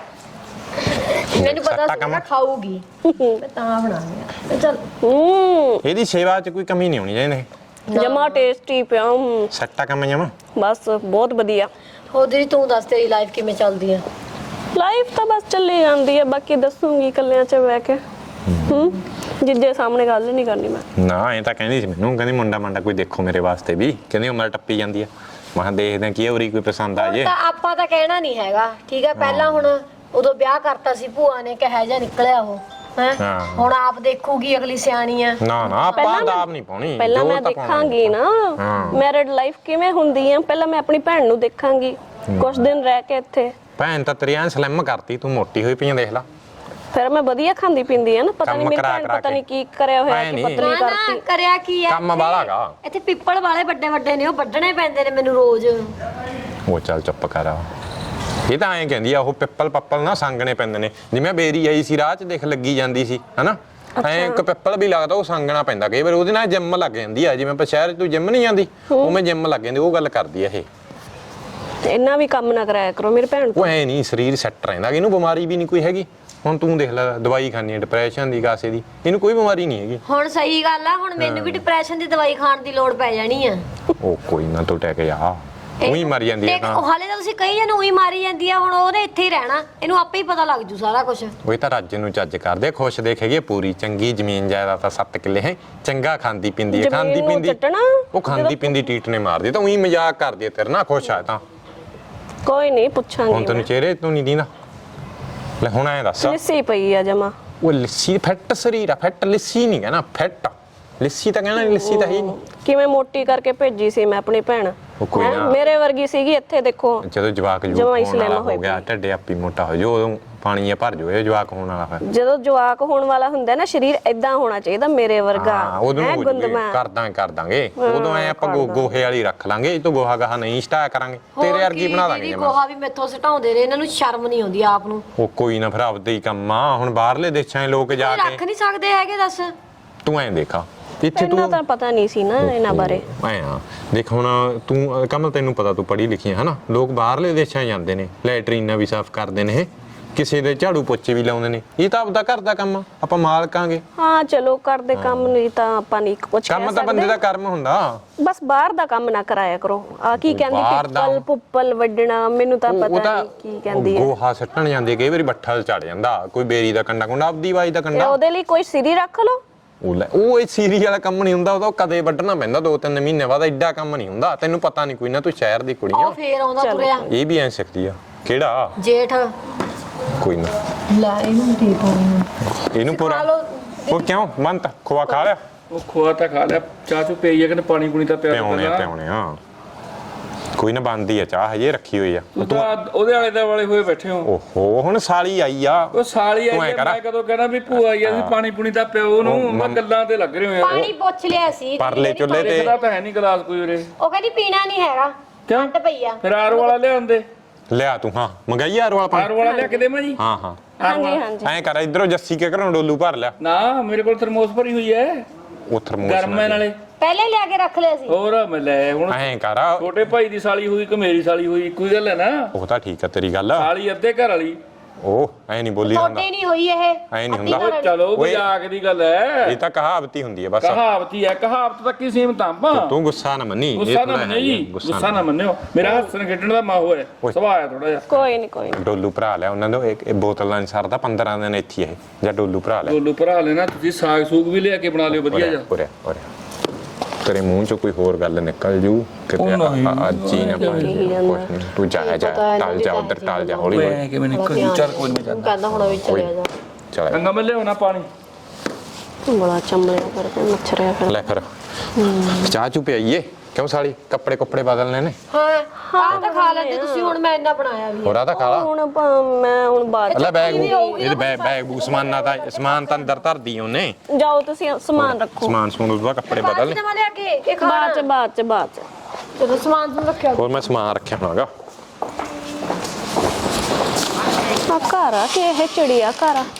[SPEAKER 1] ਮੈਨੂੰ ਪਤਾ
[SPEAKER 2] ਸੱਟਾ
[SPEAKER 1] ਸੀ
[SPEAKER 2] ਕੰਮ।
[SPEAKER 1] ਮੈਂ ਖਾਊਗੀ ਮੈਂ ਤਾਂ ਬਣਾਉਂਦੀ ਆ ਚੱਲ
[SPEAKER 5] ਹੂੰ
[SPEAKER 2] ਇਹਦੀ ਸੇਵਾ 'ਚ ਕੋਈ ਕਮੀ ਨਹੀਂ ਹੋਣੀ ਚਾਹੀਦੀ
[SPEAKER 5] ਜਮਾ ਟੇਸਟੀ ਪਿਆ ਹੂੰ,
[SPEAKER 2] ਸੱਟਾ ਕੰਮ ਜਮਾ
[SPEAKER 5] ਬਸ ਬਹੁਤ ਵਧੀਆ।
[SPEAKER 1] ਹੋਰ ਦੀਦੀ ਤੂੰ ਦੱਸ ਤੇਰੀ ਲਾਈਫ ਕਿਵੇਂ ਚੱਲਦੀ ਆ
[SPEAKER 5] ਲਾਈਫ ਤਾਂ ਬਸ ਚੱਲੀ ਜਾਂਦੀ ਹੈ ਬਾਕੀ ਦੱਸੂਗੀ ਕੱਲਿਆਂ 'ਚ ਬਹਿ ਕੇ। ਹੂੰ ਜਿੱਦੇ ਸਾਹਮਣੇ ਗੱਲ ਨਹੀਂ ਕਰਨੀ ਮੈਂ।
[SPEAKER 2] ਨਾ ਐ ਤਾਂ ਕਹਿੰਦੀ ਸੀ ਮੈਨੂੰ ਕਹਿੰਦੀ ਮੁੰਡਾ ਮੰਡਾ ਕੋਈ ਦੇਖੋ ਮੇਰੇ ਵਾਸਤੇ ਵੀ ਕਹਿੰਦੀ ਉਮਰ ਟੱਪੀ ਜਾਂਦੀ ਆ ਮੈਂ ਕਿਹਾ ਦੇਖਦੇ ਆ ਕੀ ਉਰੀ ਕੋਈ ਪਸੰਦ ਆ ਜੇ
[SPEAKER 1] ਤਾਂ ਆਪਾਂ ਤਾਂ ਕਹਿਣਾ ਨਹੀਂ ਹੈਗਾ ਠੀਕ ਹੈ ਪਹਿਲਾਂ ਹੁਣ ਉਦੋਂ ਵਿਆਹ ਕਰਤਾ ਸੀ ਭੂਆ ਨੇ ਕਿਹਾ ਜਾ ਨਿਕਲਿਆ ਉਹ ਹੈ
[SPEAKER 2] ਹਾਂ।
[SPEAKER 1] ਹੁਣ ਆਪ ਦੇਖੂਗੀ ਅਗਲੀ ਸਿਆਣੀ ਆ
[SPEAKER 2] ਨਾ ਨਾ ਆਪਾਂ
[SPEAKER 5] ਪਹਿਲਾਂ
[SPEAKER 2] ਦਾਬ ਨਹੀਂ ਪਾਉਣੀ
[SPEAKER 5] ਪਹਿਲਾਂ
[SPEAKER 2] ਜੋ
[SPEAKER 5] ਮੈਂ
[SPEAKER 2] ਤਾਂ ਪਾਉਣਾ
[SPEAKER 5] ਦੇਖਾਂਗੀ ਨਾ
[SPEAKER 2] ਹਾਂ।
[SPEAKER 5] ਮੈਰਿਡ ਲਾਈਫ ਕਿਵੇਂ ਹੁੰਦੀ ਆ ਪਹਿਲਾਂ ਮੈਂ ਆਪਣੀ ਭੈਣ ਨੂੰ ਦੇਖਾਂਗੀ ਕੁਝ ਦਿਨ ਰਹਿ ਕੇ ਇੱਥੇ
[SPEAKER 2] ਭੈਣ ਤਾਂ ਤੇਰੀ ਐਂ ਸਲਿਮ ਕਰਤੀ ਤੂੰ ਮੋਟੀ ਹੋਈ ਪਈਆਂ ਦੇਖ ਲਾ
[SPEAKER 5] ਫਿਰ ਮੈਂ ਵਧੀਆ ਖਾਂਦੀ ਪੀਂਦੀ ਆ ਨਾ ਪਤਾ ਨਹੀਂ
[SPEAKER 2] ਕੰਮ
[SPEAKER 5] ਮੇਰੀ
[SPEAKER 2] ਕਰਾ
[SPEAKER 5] ਭੈਣ
[SPEAKER 2] ਕਰਾ
[SPEAKER 5] ਪਤਾ
[SPEAKER 2] ਕੇ।
[SPEAKER 5] ਨਹੀਂ ਕੀ ਕਰਿਆ ਹੋਇਆ
[SPEAKER 2] ਐਂ
[SPEAKER 5] ਕਿ
[SPEAKER 2] ਨੀ।
[SPEAKER 5] ਪਤਲੀ
[SPEAKER 1] ਨਾ
[SPEAKER 5] ਕਰਤੀ।
[SPEAKER 1] ਕਰਿਆ ਕੀ ਆ
[SPEAKER 2] ਕੰਮ
[SPEAKER 1] ਇੱਥੇ?
[SPEAKER 2] ਵਾਲਾ ਗਾ।
[SPEAKER 1] ਇੱਥੇ ਪਿੱਪਲ ਵਾਲੇ ਵੱਡੇ ਵੱਡੇ ਨੇ ਉਹ ਵੱਢਣੇ ਪੈਂਦੇ ਨੇ ਮੈਨੂੰ ਰੋਜ਼
[SPEAKER 2] ਉਹ ਚੱਲ ਚੁੱਪ ਕਰ ਇਹ ਤਾਂ ਐਂ ਕਹਿੰਦੀ ਆ ਉਹ ਪਿੱਪਲ ਪੱਪਲ ਨਾ ਸੰਗਣੇ ਪੈਂਦੇ ਨੇ ਜਿਵੇਂ ਬੇਰੀ ਆਈ ਸੀ ਰਾਹ 'ਚ ਦੇਖ ਲੱਗੀ ਜਾਂਦੀ ਸੀ ਹਨਾ ਐਂ ਇੱਕ ਪਿੱਪਲ ਵੀ ਲੱਗਦਾ ਉਹ ਸੰਗਣਾ ਪੈਂਦਾ ਕਈ ਵਾਰ ਉਹਦੇ ਨਾਲ ਜਿੰਮ ਲੱਗ ਜਾਂਦੀ ਆ ਜਿਵੇਂ ਆਪਾਂ ਸ਼ਹਿਰ 'ਚ ਤੂੰ ਜਿੰਮ ਨਹੀਂ ਜਾਂਦੀ ਉਵੇਂ ਜਿੰਮ ਲੱਗ ਜਾਂਦੀ ਉਹ ਗੱਲ ਕਰਦੀ ਆ ਇਹ
[SPEAKER 5] ਇੰਨਾ ਵੀ ਕੰਮ ਨਾ ਕਰਾਇਆ ਕਰੋ ਮੇਰੀ ਭੈਣ
[SPEAKER 2] ਉਹ
[SPEAKER 5] ਤੋਂ।
[SPEAKER 2] ਐ ਨਹੀਂ ਸਰੀਰ ਸੈੱਟ ਰਹਿੰਦਾ ਇਹਨੂੰ ਬਿਮਾਰੀ ਵੀ ਨਹੀਂ ਕੋਈ ਹੈਗੀ ਹੁਣ ਤੂੰ ਦੇਖ ਲੈ ਦਵਾਈ ਖਾਣੀ ਹੈ ਡਿਪਰੈਸ਼ਨ ਦੀ ਕਾਸੇ ਦੀ ਇਹਨੂੰ ਕੋਈ ਬਿਮਾਰੀ ਨਹੀਂ ਹੈਗੀ
[SPEAKER 1] ਹੁਣ ਸਹੀ ਗੱਲ ਆ ਹੁਣ ਮੈਨੂੰ ਵੀ ਡਿਪਰੈਸ਼ਨ ਦੀ ਦਵਾਈ ਖਾਣ ਦੀ ਲੋੜ ਪੈ ਜਾਣੀ ਆ
[SPEAKER 2] ਉਹ ਕੋਈ ਨਾ ਤੂੰ ਟੈਕ ਜਾ ਉਹੀ ਮਰ ਜਾਂਦੀ ਹੈ
[SPEAKER 1] ਦੇਖ,
[SPEAKER 2] ਤਾਂ
[SPEAKER 1] ਉਹ ਹਾਲੇ ਤਾਂ ਤੁਸੀਂ ਕਹੀ ਜਾਂਦੇ ਉਹੀ ਮਾਰੀ ਜਾਂਦੀ ਆ ਹੁਣ ਉਹਨੇ ਇੱਥੇ ਹੀ ਰਹਿਣਾ ਇਹਨੂੰ ਆਪੇ ਹੀ ਪਤਾ ਲੱਗ ਜੂ ਸਾਰਾ ਕੁਝ
[SPEAKER 2] ਉਹ ਤਾਂ ਰੱਜ ਨੂੰ ਚੱਜ ਕਰਦੇ ਖੁਸ਼ ਦੇਖ ਹੈਗੀ ਪੂਰੀ ਚੰਗੀ ਜ਼ਮੀਨ ਜਾਇਦਾਦ ਤਾਂ ਸੱਤ ਕਿੱਲੇ ਹੈ ਚੰਗਾ ਖਾਂਦੀ ਪਿੰਦੀ ਹੈ
[SPEAKER 5] ਜ਼ਮੀਨ
[SPEAKER 2] ਖਾਂਦੀ
[SPEAKER 5] ਨੂੰ
[SPEAKER 2] ਪਿੰਦੀ
[SPEAKER 5] ਚੱਟਣਾ,
[SPEAKER 2] ਉਹ ਖਾਂਦੀ ਪਿੰਦੀ ਟੀਟ ਨੇ ਮਾਰਦੀ ਤਾਂ ਉਹੀ ਮਜ਼ਾਕ ਕਰਦੀ ਹੈ ਤੇਰੇ ਨਾਲ ਖੁਸ਼ ਆ ਤਾਂ
[SPEAKER 5] ਕੋਈ ਨਹੀਂ
[SPEAKER 2] ਹੁਣ
[SPEAKER 5] ਪੁੱਛਾਂਗੀ
[SPEAKER 2] ਤੈਨੂੰ ਚਿਹਰੇ ਤੋਂ ਨਹੀਂ ਦੀਨਾ ਲੈ ਹੁਣ ਐਂ ਦੱਸ
[SPEAKER 5] ਲਿੱਸੀ ਪਈ ਆ ਜਮਾ
[SPEAKER 2] ਉਹ ਲੱਸੀ ਫੈਟ ਸਰੀਰ ਆ ਫੈਟ ਲੱਸੀ ਨਹੀਂ ਕਹਿਣਾ ਫੈਟ ਲੱਸੀ ਤਾਂ ਕਹਿਣਾ ਲੱਸੀ ਤਾਂ ਹੀ ਨਹੀਂ
[SPEAKER 5] ਕਿਵੇਂ ਮੋਟੀ ਕਰਕੇ ਭੇਜੀ ਸੀ ਮੈਂ ਆਪਣੀ ਭੈਣ
[SPEAKER 2] ਉਹ ਕੋਈ
[SPEAKER 5] ਹੈਂ?
[SPEAKER 2] ਨਾ।
[SPEAKER 5] ਮੇਰੇ ਵਰਗੀ ਸੀਗੀ ਇੱਥੇ ਦੇਖੋ
[SPEAKER 2] ਜਦੋਂ ਜਵਾਕ
[SPEAKER 5] ਜਮਾਂ
[SPEAKER 2] ਜੂਕ
[SPEAKER 5] ਹੀ
[SPEAKER 2] ਹੋਣ
[SPEAKER 5] slim
[SPEAKER 2] ਵਾਲਾ
[SPEAKER 5] ਹੋਈ
[SPEAKER 2] ਹੋ ਗਿਆ ਢੱਡੇ ਆਪੀ ਮੋਟਾ ਹੋ ਜੋ ਉਦੋਂ ਪਾਣੀ ਆ ਭਰ ਜੋ ਇਹ ਜਵਾਕ ਹੋਣ ਵਾਲਾ ਫਿਰ
[SPEAKER 5] ਜਦੋਂ ਜਵਾਕ ਹੋਣ ਵਾਲਾ ਹੁੰਦਾ ਨਾ ਸਰੀਰ ਇਦਾਂ ਹੋਣਾ ਚਾਹੀਦਾ ਮੇਰੇ ਵਰਗਾ
[SPEAKER 2] ਹਾਂ ਉਦੋਂ
[SPEAKER 5] ਹੈਂ,
[SPEAKER 2] ਨੂੰ
[SPEAKER 5] ਗੁੰਦਮਾ
[SPEAKER 2] ਕਰਦਾਂ ਕਰ ਦਾਂਗੇ ਉਦੋਂ ਐ ਆਪਾਂ ਗੋ- ਗੋਹੇ ਵਾਲੀ ਰੱਖ ਲਾਂਗੇ ਇਹ ਤੋਂ ਗੋਹਾ ਗਾਹਾ ਨਹੀਂ ਸਟਾਇਆ ਕਰਾਂਗੇ ਤੇਰੇ ਵਰਗੀ ਬਣਾ ਦਾਂਗੇ
[SPEAKER 1] ਦੀਦੀ
[SPEAKER 2] ਜਮਾਂ।
[SPEAKER 1] ਗੋਹਾ ਵੀ ਮੈਥੋਂ ਸਟਾਉਂਦੇ ਨੇ ਇਹਨਾਂ ਨੂੰ ਸ਼ਰਮ ਨਹੀਂ ਆਉਂਦੀ ਆਪ ਨੂੰ
[SPEAKER 2] ਉਹ ਕੋਈ ਨਾ ਫਿਰ ਆਪਦੇ ਹੀ ਕੰਮ ਆ ਹੁਣ ਬਾਹਰਲੇ ਦੇਸ਼ਾਂ ਦੇ ਲੋਕ ਜਾ
[SPEAKER 1] ਰੱਖ
[SPEAKER 2] ਕੇ
[SPEAKER 1] ਨਹੀਂ ਸਕਦੇ ਹੈਗੇ ਦੱਸ
[SPEAKER 2] ਤੂੰ ਐਂ ਦੇਖਾ ਇੱਥੇ
[SPEAKER 5] ਪਹਿਲਾਂ
[SPEAKER 2] ਤੂੰ
[SPEAKER 5] ਤਾਂ ਪਤਾ ਨਹੀਂ ਸੀ ਨਾ ਇਹਨਾਂ ਬਾਰੇ
[SPEAKER 2] ਐ ਆ ਦੇਖ ਹੁਣ ਤੂੰ ਕਮਲ ਤੈਨੂੰ ਪਤਾ ਤੂੰ ਪੜ੍ਹੀ ਲਿਖੀ ਹੈ ਹਨਾ ਲੋਕ ਬਾਹਰਲੇ ਦੇਸ਼ਾਂ ਜਾਂਦੇ ਨੇ ਲੈਟਰੀਨਾਂ ਵੀ ਸਾਫ਼ ਕਰਦੇ ਨੇ ਇਹ ਕਿਸੇ ਦੇ ਝਾੜੂ ਪੋਚੇ ਵੀ ਲਾਉਂਦੇ ਨੇ ਇਹ ਤਾਂ ਆਪਦਾ ਘਰ ਦਾ ਕੰਮ ਆ ਆਪਾਂ ਮਾਲਕਾਂਗੇ
[SPEAKER 5] ਹਾਂ ਚਲੋ ਕਰਦੇ ਕੰਮ ਨਹੀਂ ਤਾਂ ਆਪਾਂ ਨਹੀਂ ਕੁਝ ਕਹਿ
[SPEAKER 2] ਕੰਮ ਤਾਂ ਬੰਦੇ ਦਾ ਕਰਮ ਹੁੰਦਾ
[SPEAKER 5] ਬਸ ਬਾਹਰ ਦਾ ਕੰਮ ਨਾ ਕਰਾਇਆ ਕਰੋ ਆ ਕੀ ਕਹਿੰਦੀ
[SPEAKER 2] ਬਾਹਰ ਦਾ-
[SPEAKER 5] ਪਿੱਪਲ ਪੁੱਪਲ ਵੱਢਣਾ ਮੈਨੂੰ ਤਾਂ
[SPEAKER 2] ਉਹ- ਉਹ
[SPEAKER 5] ਪਤਾ
[SPEAKER 2] ਤਾਂ
[SPEAKER 5] ਨਹੀਂ ਕੀ ਕਹਿੰਦੀ ਹੈ
[SPEAKER 2] ਗੋਹਾ ਸੱਟਣ ਜਾਂਦੇ ਕਈ ਵਾਰੀ ਬੱਠਲ ਚੜ ਜਾਂਦਾ ਕੋਈ ਬੇਰੀ ਦਾ ਕੰਡਾ ਕੁੰਡਾ ਆਪਦੀ ਵਾਈ ਦਾ
[SPEAKER 5] ਤੇ
[SPEAKER 2] ਕੰਡਾ
[SPEAKER 5] ਉਹਦੇ ਲਈ ਕੋਈ ਸਿਰੀ ਰੱਖ ਲਓ
[SPEAKER 2] ਉਹ ਲੈ ਉਹ ਇਹ ਸੀਰੀ ਵਾਲਾ ਕੰਮ ਨਹੀਂ ਹੁੰਦਾ, ਉਹਦਾ ਕਦੇ ਵੱਢਣਾ ਪੈਂਦਾ ਦੋ ਤਿੰਨ ਮਹੀਨੇ ਬਾਅਦ, ਐਡਾ ਕੰਮ ਨਹੀਂ ਹੁੰਦਾ। ਤੈਨੂੰ ਪਤਾ ਨਹੀਂ ਕੋਈ ਨਾ, ਤੂੰ ਸ਼ਹਿਰ ਦੀ ਕੁੜੀ
[SPEAKER 1] ਉਹ
[SPEAKER 2] ਆ।
[SPEAKER 1] ਫੇਰ ਆਉਂਦਾ ਤੁਰਿਆ
[SPEAKER 2] ਇਹ ਵੀ ਐ ਸਿੱਖਦੀ ਆ। ਕਿਹੜਾ?
[SPEAKER 1] ਜੇਠ
[SPEAKER 2] ਕੋਈ ਨਾ
[SPEAKER 1] ਲੈ ਇਹਨੂੰ ਦੇ ਪਾਣੀ
[SPEAKER 2] ਇਹਨੂੰ ਪੂਰਾ ਉਹ ਕਿਉਂ ਮੰਤ ਖੋਆ ਖਾ ਲਿਆ?
[SPEAKER 3] ਉਹ ਖੋਆ ਤਾਂ ਖਾ ਲਿਆ, ਚਾਹ ਚੂ ਪਈ ਆ ਕਿ ਪਾਣੀ ਪੂਣੀ ਤਾਂ ਪਿਆ
[SPEAKER 2] ਪਿਆਉਣੇ ਆ ਪਿਆਉਣੇ ਆ। ਕੋਈ ਨਾ ਬਣਦੀ ਆ ਚਾਹ, ਹਜੇ ਰੱਖੀ ਹੋਈ ਆ।
[SPEAKER 3] ਤੂੰ ਤਾਂ ਉਹਦੇ ਵਾਲੇ ਦਾ ਵਾਲੇ ਹੋਏ ਬੈਠੇ ਹੋ।
[SPEAKER 2] ਓਹੋ ਹੁਣ ਸਾਲੀ ਆਈ ਆ।
[SPEAKER 3] ਉਹ ਸਾਲੀ
[SPEAKER 2] ਤੂੰ ਐਂ
[SPEAKER 3] ਆਈ ਆ,
[SPEAKER 2] ਕਰ।
[SPEAKER 3] ਮੈਂ ਕਦੋਂ ਕਹਿਣਾ ਵੀ ਭੂਆ ਆਈ ਆ, ਵੀ ਪਾਣੀ ਪੂਣੀ ਤਾਂ ਪਿਓ ਨੂੰ।
[SPEAKER 2] ਉਹ
[SPEAKER 3] ਮੈਂ
[SPEAKER 2] ਮੰਮ-
[SPEAKER 3] ਗੱਲਾਂ ਤੇ ਲੱਗ ਰਹੇ ਹੋ ਯਾਰ।
[SPEAKER 1] ਪਾਣੀ ਪੁੱਛ ਲਿਆ ਸੀ
[SPEAKER 2] ਪਰਲੇ ਚੁੱਲ੍ਹੇ ਤੇ
[SPEAKER 3] ਦੇਖਦਾ ਤਾਂ ਹੈ ਨਹੀਂ ਗਲਾਸ ਕੋਈ ਉਰੇ।
[SPEAKER 1] ਉਹ ਕਹਿੰਦੀ ਪੀਣਾ ਨਹੀਂ ਹੈਗਾ,
[SPEAKER 3] ਕਿਉਂ?
[SPEAKER 1] ਟੱਟ ਪਈ ਆ।
[SPEAKER 3] ਫਿਰ ਆਰ ਵਾਲਾ ਲਿਆਉਂਦੇ।
[SPEAKER 2] ਲਿਆ ਤੂੰ। ਹਾਂ ਮੰਗਾਈ ਯਾਰ ਵਾਲਾ
[SPEAKER 3] ਆਰ
[SPEAKER 2] ਪਾਣੀ।
[SPEAKER 3] ਵਾਲਾ ਲਿਆ ਕੇ ਦੇਵਾਂ ਜੀ?
[SPEAKER 2] ਹਾਂ ਹਾਂ
[SPEAKER 5] ਹਾਂਜੀ ਹਾਂਜੀ
[SPEAKER 2] ਐਂ ਕਰ, ਇਧਰੋਂ ਜੱਸੀ ਕੇ ਘਰੋਂ ਡੋਲੂ ਭਰ ਲਿਆ।
[SPEAKER 3] ਨਾ ਮੇਰੇ ਕੋਲ ਥਰਮੋਸ ਭਰੀ ਹੋਈ ਹੈ,
[SPEAKER 2] ਉਹ ਥਰਮੋਸ
[SPEAKER 3] ਗਰਮ ਹੈ ਨਾਲੇ।
[SPEAKER 1] ਪਹਿਲੇ ਲਿਆ ਕੇ ਰੱਖ ਲਿਆ ਸੀ।
[SPEAKER 3] ਹੋਰ ਮੈਂ ਲੈ ਹੁਣ
[SPEAKER 2] ਐਂ ਕਰ,
[SPEAKER 3] ਛੋਟੇ ਭਾਈ ਦੀ ਸਾਲੀ ਹੋਈ ਕਿ ਮੇਰੀ ਸਾਲੀ ਹੋਈ, ਇੱਕੋ ਹੀ ਗੱਲ ਹੈ ਨਾ।
[SPEAKER 2] ਉਹ ਤਾਂ ਠੀਕ ਆ ਤੇਰੀ ਗੱਲ।
[SPEAKER 3] ਸਾਲੀ ਅੱਧੇ ਘਰ ਵਾਲੀ।
[SPEAKER 2] ਉਹ ਐ ਨਹੀਂ ਬੋਲੀ ਜਾਂਦਾ,
[SPEAKER 1] ਤੁਹਾਡੇ ਨਹੀਂ ਹੋਈ ਇਹ
[SPEAKER 2] ਐ ਨਹੀਂ ਹੁੰਦਾ।
[SPEAKER 3] ਉਹ ਚਲੋ ਮਜ਼ਾਕ ਦੀ ਗੱਲ ਹੈ,
[SPEAKER 2] ਇਹ ਤਾਂ ਕਹਾਵਤ ਹੀ ਹੁੰਦੀ ਹੈ ਬਸ।
[SPEAKER 3] ਕਹਾਵਤੀ ਹੈ, ਕਹਾਵਤ ਤੱਕ ਹੀ ਸੀਮਤ ਆਪਾਂ।
[SPEAKER 2] ਤੂੰ ਗੁੱਸਾ ਨਾ ਮੰਨੀ,
[SPEAKER 3] ਗੁੱਸਾ ਨਾ ਮੰਨਿਓ ਜੀ, ਗੁੱਸਾ ਨਾ ਮੰਨਿਓ। ਮੇਰਾ ਹੱਸਣ ਖੇਡਣ ਦਾ ਮਾਹੌਲ ਹੈ,
[SPEAKER 2] ਓਏ।
[SPEAKER 3] ਸੁਭਾਅ ਹੈ ਥੋੜਾ ਜਿਹਾ।
[SPEAKER 5] ਕੋਈ ਨਹੀਂ ਕੋਈ ਨੀ।
[SPEAKER 2] ਡੋਲੂ ਭਰਾ ਲਿਆ ਉਹਨਾਂ ਦਾ, ਇੱਕ ਬੋਤਲਾਂ ਨਹੀਂ ਸਰਦਾ, ਪੰਦਰਾਂ ਦਿਨ ਇੱਥੇ ਇਹ ਜਾਂ ਡੋਲੂ ਭਰਾ ਲਿਆ।
[SPEAKER 3] ਡੋਲੂ ਭਰਾ ਲੈਣਾ ਤੁਸੀਂ, ਸਾਗ ਸੂਗ ਵੀ ਲਿਆ ਕੇ ਬਣਾ ਲਿਓ ਵਧੀਆ ਜਿਹਾ।
[SPEAKER 2] ਉਰੇ ਉਰੇ ਤੇਰੇ ਮੂੰਹ ਚੋਂ ਕੋਈ ਹੋਰ ਗੱਲ ਨਿਕਲ ਜੂ ਕਿਤੇ।
[SPEAKER 3] ਉਹ ਨਹੀਂ।
[SPEAKER 2] ਅੱਜ ਹੀ ਨਾ ਕੁਛ ਨਹੀਂ, ਤੂੰ ਜਾ ਜਾ ਟਲ ਜਾ ਉਧਰ, ਟਲ ਜਾ ਹੌਲੀ ਹੌਲੀ।
[SPEAKER 3] ਕਿਵੇਂ ਨਿਕਲ ਚੱਲ ਕੋਈ ਨਹੀਂ ਜਾਂਦਾ।
[SPEAKER 1] ਕਹਿੰਦਾ ਹੁਣ ਵੀ ਚਲਿਆ ਜਾ।
[SPEAKER 2] ਚਲ
[SPEAKER 3] ਚੰਗਾ ਮੈਂ ਲਿਆਉਣਾ ਪਾਣੀ।
[SPEAKER 5] ਬੜਾ ਚੰਬਲਿਆ ਕਰਕੇ ਮੱਛਰਿਆ ਫਿਰ।
[SPEAKER 2] ਲੈ ਫਿਰ ਚਾਹ ਚੁ ਪਿਆਈਏ। ਕਿਉਂ ਸਾਲੀ ਕੱਪੜੇ ਕੁੱਪੜੇ ਬਦਲਨੇ ਨੇ?
[SPEAKER 1] ਹਾਂ ਆਹ ਤਾਂ ਖਾ ਲੈਂਦੇ ਤੁਸੀਂ, ਹੁਣ ਮੈਂ ਇੰਨਾ ਬਣਾਇਆ ਵੀ।
[SPEAKER 2] ਹੋਰਾ ਤਾਂ ਖਾ ਲਾ।
[SPEAKER 5] ਹੁਣ ਆਪਾਂ- ਮੈਂ ਹੁਣ ਬਾਅਦ
[SPEAKER 2] ਲੈ ਬੈਗ ਇਹਦੇ ਬੈਗ ਬੈਗ ਬੂ ਸਮਾਨਾ ਤਾਂ ਸਮਾਨ ਤਾਂ ਅੰਦਰ ਧਰਦੀ ਉਹਨੇ।
[SPEAKER 5] ਚ- ਜਾਓ ਤੁਸੀਂ ਸਮਾਨ ਰੱਖੋ।
[SPEAKER 2] ਸਮਾਨ ਸਮੂਨ ਉਹਦਾ ਕੱਪੜੇ ਬਦਲ ਲੈ।
[SPEAKER 1] ਮੈਂ ਲਿਆ ਕੇ ਇਹ ਖਾ
[SPEAKER 5] ਬਾਅਦ ਚ ਬਾਅਦ ਚ ਬਾਅਦ ਚ
[SPEAKER 1] ਜਦੋਂ ਸਮਾਨ ਤੁਹਾਨੂੰ ਰੱਖਿਆ
[SPEAKER 2] ਹੋਰ ਮੈਂ ਸਮਾਨ ਰੱਖਿਆ ਹੋਣਾਗਾ।
[SPEAKER 5] ਆ ਘਰ ਆ ਕਿ ਇਹ ਚਿੜੀਆ ਘਰ ਆ?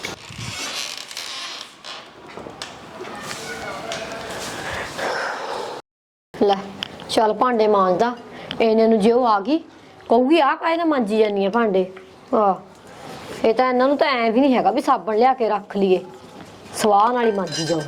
[SPEAKER 1] ਲੈ ਚੱਲ ਭਾਂਡੇ ਮਾਂਜਦਾ ਇਹਨੇ ਨੂੰ, ਜੇ ਉਹ ਆ ਗਈ ਕਹੂਗੀ ਆ ਕਾਹਦੇ ਨਾਲ ਮਾਂਜੀ ਜਾਂਦੀ ਆ ਭਾਂਡੇ। ਆ ਇਹ ਤਾਂ ਇਹਨਾਂ ਨੂੰ ਤਾਂ ਐ ਵੀ ਨਹੀਂ ਹੈਗਾ ਵੀ ਸਾਬਣ ਲਿਆ ਕੇ ਰੱਖ ਲਈਏ, ਸਵਾਹ ਨਾਲ ਹੀ ਮਾਂਜੀ ਜਾਓ।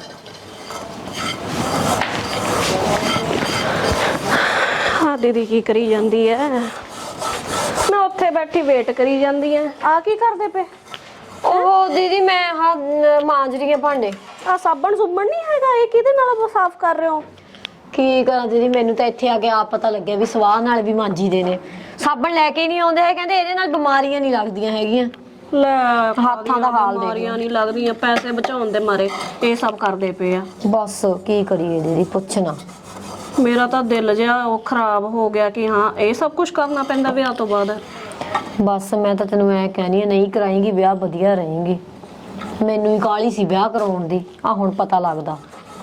[SPEAKER 5] ਹਾਂ ਦੀਦੀ ਕੀ ਕਰੀ ਜਾਂਦੀ ਐ? ਮੈਂ ਉੱਥੇ ਬੈਠੀ ਵੇਟ ਕਰੀ ਜਾਂਦੀ ਐ। ਆ ਕੀ ਕਰਦੇ ਪਏ?
[SPEAKER 1] ਉਹ ਦੀਦੀ ਮੈਂ ਹਾਂ ਮਾਂਜ ਰਹੀ ਆ ਭਾਂਡੇ।
[SPEAKER 5] ਆ ਸਾਬਣ ਸੁਬਣ ਨਹੀਂ ਹੈਗਾ? ਇਹ ਕਿਹਦੇ ਨਾਲ ਸਾਫ਼ ਕਰ ਰਹੇ ਹੋ?
[SPEAKER 1] ਕੀ ਕਰਾਂ ਦੀਦੀ, ਮੈਨੂੰ ਤਾਂ ਇੱਥੇ ਆ ਕੇ ਆਪ ਪਤਾ ਲੱਗਿਆ ਵੀ ਸਵਾਹ ਨਾਲ ਵੀ ਮਾਂਜੀ ਦੇ ਨੇ। ਸਾਬਣ ਲੈ ਕੇ ਨਹੀਂ ਆਉਂਦੇ ਹੈ, ਕਹਿੰਦੇ ਇਹਦੇ ਨਾਲ ਬਿਮਾਰੀਆਂ ਨਹੀਂ ਲੱਗਦੀਆਂ ਹੈਗੀਆਂ।
[SPEAKER 5] ਲੈ
[SPEAKER 1] ਹੱਥਾਂ ਦਾ ਹਾਲ ਦੇਖ।
[SPEAKER 5] ਬਿਮਾਰੀਆਂ ਨਹੀਂ ਲੱਗਦੀਆਂ, ਪੈਸੇ ਬਚਾਉਣ ਦੇ ਮਾਰੇ ਇਹ ਸਭ ਕਰਦੇ ਪਏ ਆ।
[SPEAKER 1] ਬਸ ਕੀ ਕਰੀਏ ਦੀਦੀ, ਪੁੱਛਣਾ।
[SPEAKER 5] ਮੇਰਾ ਤਾਂ ਦਿਲ ਜਿਹਾ ਉਹ ਖਰਾਬ ਹੋ ਗਿਆ ਕਿ ਹਾਂ ਇਹ ਸਭ ਕੁਝ ਕਰਨਾ ਪੈਂਦਾ ਵਿਆਹ ਤੋਂ ਬਾਅਦ।
[SPEAKER 1] ਬਸ ਮੈਂ ਤਾਂ ਤੈਨੂੰ ਐ ਕਹਿਣੀ ਆ, ਨਹੀਂ ਕਰਾਏਂਗੀ ਵਿਆਹ ਵਧੀਆ ਰਹੇਂਗੀ। ਮੈਨੂੰ ਹੀ ਕਾਹਲੀ ਸੀ ਵਿਆਹ ਕਰਾਉਣ ਦੀ, ਆ ਹੁਣ ਪਤਾ ਲੱਗਦਾ।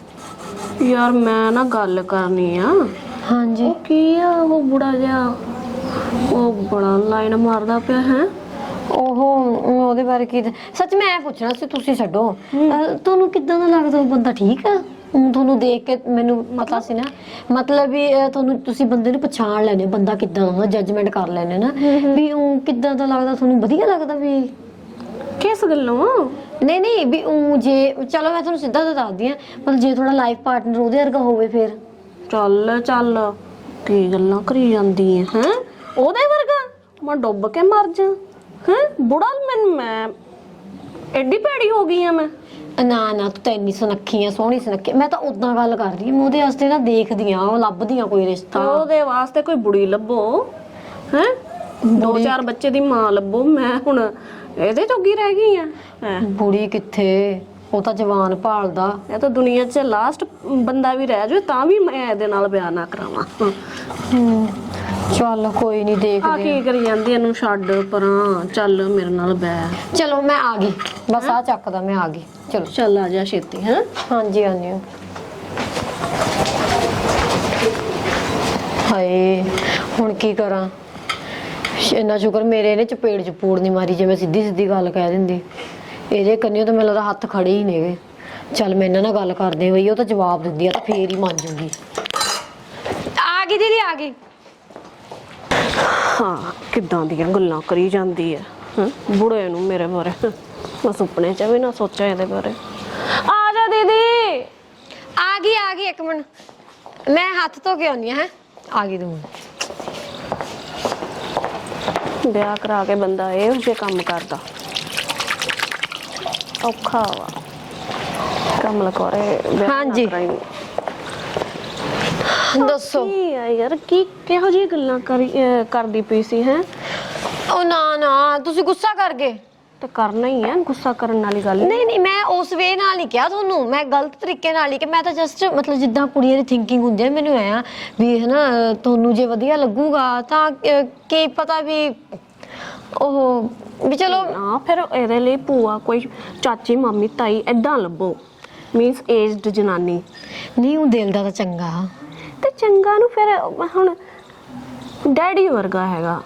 [SPEAKER 5] ਯਾਰ ਮੈਂ ਨਾ ਗੱਲ ਕਰਨੀ ਆ।
[SPEAKER 1] ਹਾਂਜੀ
[SPEAKER 5] ਉਹ ਕੀ ਆ ਉਹ ਬੁੜਾ ਜਿਹਾ, ਉਹ ਬੜਾ ਲਾਈਨ ਮਾਰਦਾ ਪਿਆ ਹੈ।
[SPEAKER 1] ਉਹ ਉਹਦੇ ਬਾਰੇ ਕੀ ਸੱਚ ਮੈਂ ਇਹ ਪੁੱਛਣਾ ਸੀ, ਤੁਸੀਂ ਛੱਡੋ। ਅਹ, ਤੁਹਾਨੂੰ ਕਿੱਦਾਂ ਦਾ ਲੱਗਦਾ ਉਹ ਬੰਦਾ? ਠੀਕ ਆ? ਊਂ ਤੁਹਾਨੂੰ ਦੇਖ ਕੇ ਮੈਨੂੰ ਪਤਾ ਸੀ ਨਾ, ਮਤਲਬ ਵੀ ਅਹ, ਤੁਹਾਨੂੰ ਤੁਸੀਂ ਬੰਦੇ ਨੂੰ ਪਛਾਣ ਲੈਣੇ ਬੰਦਾ ਕਿੱਦਾਂ ਦਾ, ਜੱਜਮੈਂਟ ਕਰ ਲੈਣੇ ਨਾ ਵੀ ਉਹ ਕਿੱਦਾਂ ਦਾ ਲੱਗਦਾ ਤੁਹਾਨੂੰ? ਵਧੀਆ ਲੱਗਦਾ ਵੀ?
[SPEAKER 5] ਕਿਸ ਗੱਲੋਂ?
[SPEAKER 1] ਨਹੀਂ ਨਹੀਂ ਵੀ ਉਹ ਜੇ ਚਲੋ ਮੈਂ ਤੁਹਾਨੂੰ ਸਿੱਧਾ ਤਾਂ ਦੱਸਦੀ ਆ, ਮਤਲਬ ਜੇ ਥੋੜਾ ਲਾਈਫ ਪਾਰਟਨਰ ਉਹਦੇ ਵਰਗਾ ਹੋਵੇ ਫਿਰ।
[SPEAKER 5] ਚੱਲ ਚੱਲ ਕੀ ਗੱਲਾਂ ਕਰੀ ਜਾਂਦੀ ਹੈ ਹੈ? ਉਹਦੇ ਵਰਗਾ ਮੈਂ ਡੁੱਬ ਕੇ ਮਰ ਜਾ ਹੈ? ਬੁੜਾ ਮੈਨੂੰ ਮੈਂ ਐਡੀ ਭੈੜੀ ਹੋ ਗਈ ਆ ਮੈਂ?
[SPEAKER 1] ਨਾ ਨਾ ਤੂੰ ਤਾਂ ਇੰਨੀ ਸੁਨੱਖੀ ਆ, ਸੋਹਣੀ ਸੁਨੱਖੀ। ਮੈਂ ਤਾਂ ਉਦਾਂ ਗੱਲ ਕਰਦੀ ਆ, ਮੈਂ ਉਹਦੇ ਵਾਸਤੇ ਨਾ ਦੇਖਦੀ ਆ, ਉਹ ਲੱਭਦੀ ਆ ਕੋਈ ਰਿਸ਼ਤਾ।
[SPEAKER 5] ਉਹਦੇ ਵਾਸਤੇ ਕੋਈ ਬੁੜੀ ਲੱਭੋ ਹੈ? ਦੋ ਚਾਰ ਬੱਚੇ ਦੀ ਮਾਂ ਲੱਭੋ। ਮੈਂ ਹੁਣ ਇਹਦੇ ਜੋਗੀ ਰਹਿ ਗਈ ਆ ਹੈਂ?
[SPEAKER 1] ਬੁੜੀ ਕਿੱਥੇ, ਉਹ ਤਾਂ ਜਵਾਨ ਭਾਲਦਾ।
[SPEAKER 5] ਇਹ ਤਾਂ ਦੁਨੀਆ 'ਚ ਲਾਸਟ ਬੰਦਾ ਵੀ ਰਹਿ ਜਾਵੇ ਤਾਂ ਵੀ ਮੈਂ ਇਹਦੇ ਨਾਲ ਵਿਆਹ ਨਾ ਕਰਾਵਾਂ।
[SPEAKER 1] ਹੂੰ ਚੱਲ ਕੋਈ ਨਹੀਂ
[SPEAKER 5] ਆ
[SPEAKER 1] ਦੇਖਦੇ
[SPEAKER 5] ਕੀ ਕਰੀ ਜਾਂਦੀ? ਇਹਨੂੰ ਛੱਡ ਪਰਾਂ, ਚੱਲ ਮੇਰੇ ਨਾਲ ਬਹਿ।
[SPEAKER 1] ਚਲੋ ਮੈਂ ਆ ਗਈ, ਬਸ ਆ ਚੱਕਦਾ ਮੈਂ ਆ ਗਈ। ਚਲੋ
[SPEAKER 5] ਚੱਲ ਆ ਜਾ ਛੇਤੀ ਹੈ।
[SPEAKER 1] ਹਾਂਜੀ ਆਉਂਦੀ ਹਾਂ। ਹਾਏ ਹੁਣ ਕੀ ਕਰਾਂ? ਇੰਨਾ ਸ਼ੁਕਰ ਮੇਰੇ ਇਹਨੇ ਚਪੇੜ ਚਪੂੜ ਨਹੀਂ ਮਾਰੀ, ਜੇ ਮੈਂ ਸਿੱਧੀ ਸਿੱਧੀ ਗੱਲ ਕਹਿ ਦਿੰਦੀ। ਇਹਦੇ ਕੰਨਿਓ ਤਾਂ ਮੈਨੂੰ ਲੱਗਦਾ ਹੱਥ ਖੜੇ ਹੀ ਨੇਗੇ। ਚੱਲ ਮੈਂ ਇਹਨਾਂ ਨਾਲ ਗੱਲ ਕਰਦੇ ਹੋਈ, ਉਹ ਤਾਂ ਜਵਾਬ ਦਿੰਦੀ ਆ ਤਾਂ ਫੇਰ ਹੀ ਮੰਨ ਜੂਗੀ। ਆ ਗਈ ਦੀਦੀ ਆ ਗਈ।
[SPEAKER 5] ਹਾਂ ਕਿੱਦਾਂ ਦੀਆਂ ਗੱਲਾਂ ਕਰੀ ਜਾਂਦੀ ਹੈ ਹੈਂ? ਬੁੜੇ ਨੂੰ ਮੇਰੇ ਬਾਰੇ ਮੈਂ ਸੁਪਨੇ 'ਚ ਵੀ ਨਾ ਸੋਚਿਆ ਇਹਦੇ ਬਾਰੇ। ਆ ਜਾ ਦੀਦੀ।
[SPEAKER 1] ਆ ਗਈ ਆ ਗਈ, ਇੱਕ ਮਿੰਟ ਮੈਂ ਹੱਥ ਧੋ ਕੇ ਆਉਂਦੀ ਹਾਂ। ਆ ਗਈ ਤੂੰ।
[SPEAKER 5] ਵਿਆਹ ਕਰਾ ਕੇ ਬੰਦਾ ਇਹੋ ਜਿਹੇ ਕੰਮ ਕਰਦਾ, ਔਖਾ ਵਾ। ਕਮਲ ਕੋਰੇ ਵਿਆਹ ਨਾ
[SPEAKER 1] ਹਾਂਜੀ।
[SPEAKER 5] ਕਰਾਈ।
[SPEAKER 1] ਦੱਸੋ।
[SPEAKER 5] ਕੀ ਆ ਯਾਰ, ਕੀ ਕਿਹੋ ਜਿਹੀ ਗੱਲਾਂ ਕਰੀ ਅਹ ਕਰਦੀ ਪਈ ਸੀ ਹੈ?
[SPEAKER 1] ਉਹ ਨਾ ਨਾ ਤੁਸੀਂ ਗੁੱਸਾ ਕਰ ਗਏ।
[SPEAKER 5] ਤੇ ਕਰਨਾ ਹੀ ਹੈ, ਗੁੱਸਾ ਕਰਨ ਵਾਲੀ ਗੱਲ
[SPEAKER 1] ਨਹੀਂ ਨਹੀਂ ਮੈਂ ਉਸ ਵੇ ਨਾਲ ਨਹੀਂ ਕਿਹਾ ਤੁਹਾਨੂੰ, ਮੈਂ ਗਲਤ ਤਰੀਕੇ ਨਾਲ ਹੀ ਕਿ ਮੈਂ ਤਾਂ ਜਸਟ ਮਤਲਬ ਜਿੱਦਾਂ ਕੁੜੀਆਂ ਦੀ ਥਿੰਕਿੰਗ ਹੁੰਦੀ ਹੈ ਮੈਨੂੰ ਐ ਵੀ ਹਨਾ ਤੁਹਾਨੂੰ ਜੇ ਵਧੀਆ ਲੱਗੂਗਾ ਤਾਂ ਅਹ, ਕੀ ਪਤਾ ਵੀ ਉਹ ਵੀ ਚਲੋ
[SPEAKER 5] ਨਾ। ਫਿਰ ਇਹਦੇ ਲਈ ਭੂਆ ਕੋਈ ਚਾਚੀ ਮਾਮੀ ਤਾਈ ਐਦਾਂ ਲੱਭੋ, ਮੀਨਸ ਏਜਡ ਜਨਾਨੀ।
[SPEAKER 1] ਨਹੀਂ ਉਹ ਦਿਲ ਦਾ ਤਾਂ ਚੰਗਾ।
[SPEAKER 5] ਤੇ ਚੰਗਾ ਨੂੰ ਫਿਰ ਹੁਣ ਡੈਡੀ ਵਰਗਾ ਹੈਗਾ।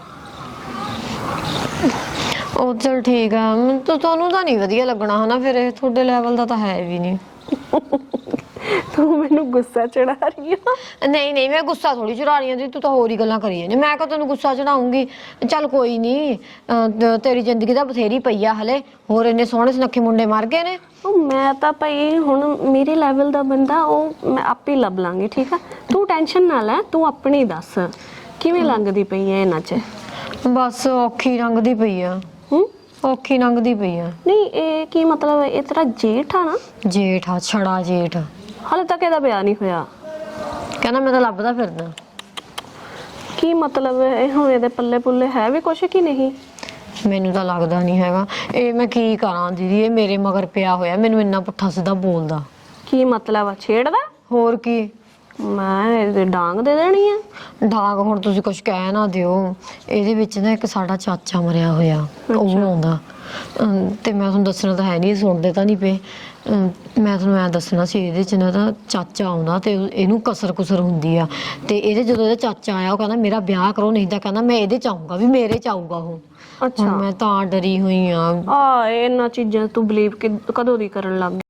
[SPEAKER 1] ਉਹ ਚਲ ਠੀਕ ਆ, ਮੈਨੂੰ ਤਾਂ ਤੁਹਾਨੂੰ ਤਾਂ ਨਹੀਂ ਵਧੀਆ ਲੱਗਣਾ ਹਨਾ, ਫਿਰ ਇਹ ਤੁਹਾਡੇ ਲੈਵਲ ਦਾ ਤਾਂ ਹੈ ਵੀ ਨਹੀਂ।
[SPEAKER 5] ਤੂੰ ਮੈਨੂੰ ਗੁੱਸਾ ਚੜਾ ਰਹੀ ਆ।
[SPEAKER 1] ਨਹੀਂ ਨਹੀਂ ਮੈਂ ਗੁੱਸਾ ਥੋੜੀ ਚੜਾ ਰਹੀ ਹਾਂ, ਤੂੰ ਤਾਂ ਹੋਰ ਹੀ ਗੱਲਾਂ ਕਰੀ ਜਾਂਦੀ। ਮੈਂ ਕਹ ਤੈਨੂੰ ਗੁੱਸਾ ਚੜਾਉਂਗੀ? ਚੱਲ ਕੋਈ ਨਹੀਂ, ਤੇਰੀ ਜ਼ਿੰਦਗੀ ਤਾਂ ਬਥੇਰੀ ਪਈ ਆ ਹਲੇ, ਹੋਰ ਇੰਨੇ ਸੋਹਣੇ ਸੁਨੱਖੇ ਮੁੰਡੇ ਮਰ ਗਏ ਨੇ।
[SPEAKER 5] ਉਹ ਮੈਂ ਤਾਂ ਭਾਈ ਹੁਣ ਮੇਰੇ ਲੈਵਲ ਦਾ ਬੰਦਾ ਉਹ ਮੈਂ ਆਪੇ ਲੱਭ ਲਾਂਗੀ, ਠੀਕ ਆ? ਤੂੰ ਟੈਨਸ਼ਨ ਨਾ ਲੈ, ਤੂੰ ਆਪਣੀ ਦੱਸ ਕਿਵੇਂ ਲੰਘਦੀ ਪਈ ਐ ਇਹਨਾਂ 'ਚ?
[SPEAKER 1] ਬਸ ਔਖੀ ਲੰਘਦੀ ਪਈ ਆ।
[SPEAKER 5] ਹੂੰ?
[SPEAKER 1] ਔਖੀ ਲੰਘਦੀ ਪਈ ਆ।
[SPEAKER 5] ਨਹੀਂ ਇਹ ਕੀ ਮਤਲਬ, ਇਹ ਤੇਰਾ ਜੇਠ ਆ ਨਾ?
[SPEAKER 1] ਜੇਠ ਆ, ਛੜਾ ਜੇਠ।
[SPEAKER 5] ਹਾਲੇ ਤੱਕ ਇਹਦਾ ਵਿਆਹ ਨਹੀਂ ਹੋਇਆ।
[SPEAKER 1] ਕਹਿੰਦਾ ਮੈਂ ਤਾਂ ਲੱਭਦਾ ਫਿਰਦਾ।
[SPEAKER 5] ਕੀ ਮਤਲਬ ਇਹ ਹੁਣ ਇਹਦੇ ਪੱਲੇ ਪੁੱਲੇ ਹੈ ਵੀ ਕੁਛ ਕਿ ਨਹੀਂ?
[SPEAKER 1] ਮੈਨੂੰ ਤਾਂ ਲੱਗਦਾ ਨਹੀਂ ਹੈਗਾ। ਇਹ ਮੈਂ ਕੀ ਕਰਾਂ ਦੀਦੀ, ਇਹ ਮੇਰੇ ਮਗਰ ਪਿਆ ਹੋਇਆ, ਮੈਨੂੰ ਇੰਨਾ ਪੁੱਠਾ ਸਿੱਧਾ ਬੋਲਦਾ।
[SPEAKER 5] ਕੀ ਮਤਲਬ ਆ, ਛੇੜਦਾ?
[SPEAKER 1] ਹੋਰ ਕੀ,
[SPEAKER 5] ਮੈਂ ਇਹਦੇ ਡਾਂਗ ਦੇ ਦੇਣੀ ਆ।
[SPEAKER 1] ਡਾਂਗ ਹੁਣ ਤੁਸੀਂ ਕੁਝ ਕਹਿ ਨਾ ਦਿਓ। ਇਹਦੇ ਵਿੱਚ ਨਾ ਇੱਕ ਸਾਡਾ ਚਾਚਾ ਮਰਿਆ ਹੋਇਆ, ਉਹ ਆਉਂਦਾ ਅਮ, ਤੇ ਮੈਂ ਤੁਹਾਨੂੰ ਦੱਸਣਾ ਤਾਂ ਹੈ ਨਹੀਂ, ਸੁਣਦੇ ਤਾਂ ਨਹੀਂ ਪਏ। ਅਮ, ਮੈਂ ਤੁਹਾਨੂੰ ਐਂ ਦੱਸਣਾ ਸੀ, ਇਹਦੇ 'ਚ ਨਾ ਤਾਂ ਚਾਚਾ ਆਉਂਦਾ ਤੇ ਇਹਨੂੰ ਕਸਰ ਕੁਸਰ ਹੁੰਦੀ ਆ, ਤੇ ਇਹਦੇ ਜਦੋਂ ਇਹਦਾ ਚਾਚਾ ਆਇਆ ਉਹ ਕਹਿੰਦਾ ਮੇਰਾ ਵਿਆਹ ਕਰੋ, ਨਹੀਂ ਤਾਂ ਕਹਿੰਦਾ ਮੈਂ ਇਹਦੇ 'ਚ ਆਊਂਗਾ, ਵੀ ਮੇਰੇ 'ਚ ਆਊਗਾ ਉਹ।
[SPEAKER 5] ਅੱਛਾ,
[SPEAKER 1] ਮੈਂ ਤਾਂ ਡਰੀ ਹੋਈ ਆ।
[SPEAKER 5] ਆ ਇਹਨਾਂ ਚੀਜ਼ਾਂ ਤੂੰ ਬਲੀਵ ਕਦੋਂ ਦੀ ਕਰਨ ਲੱਗ ਗਈ?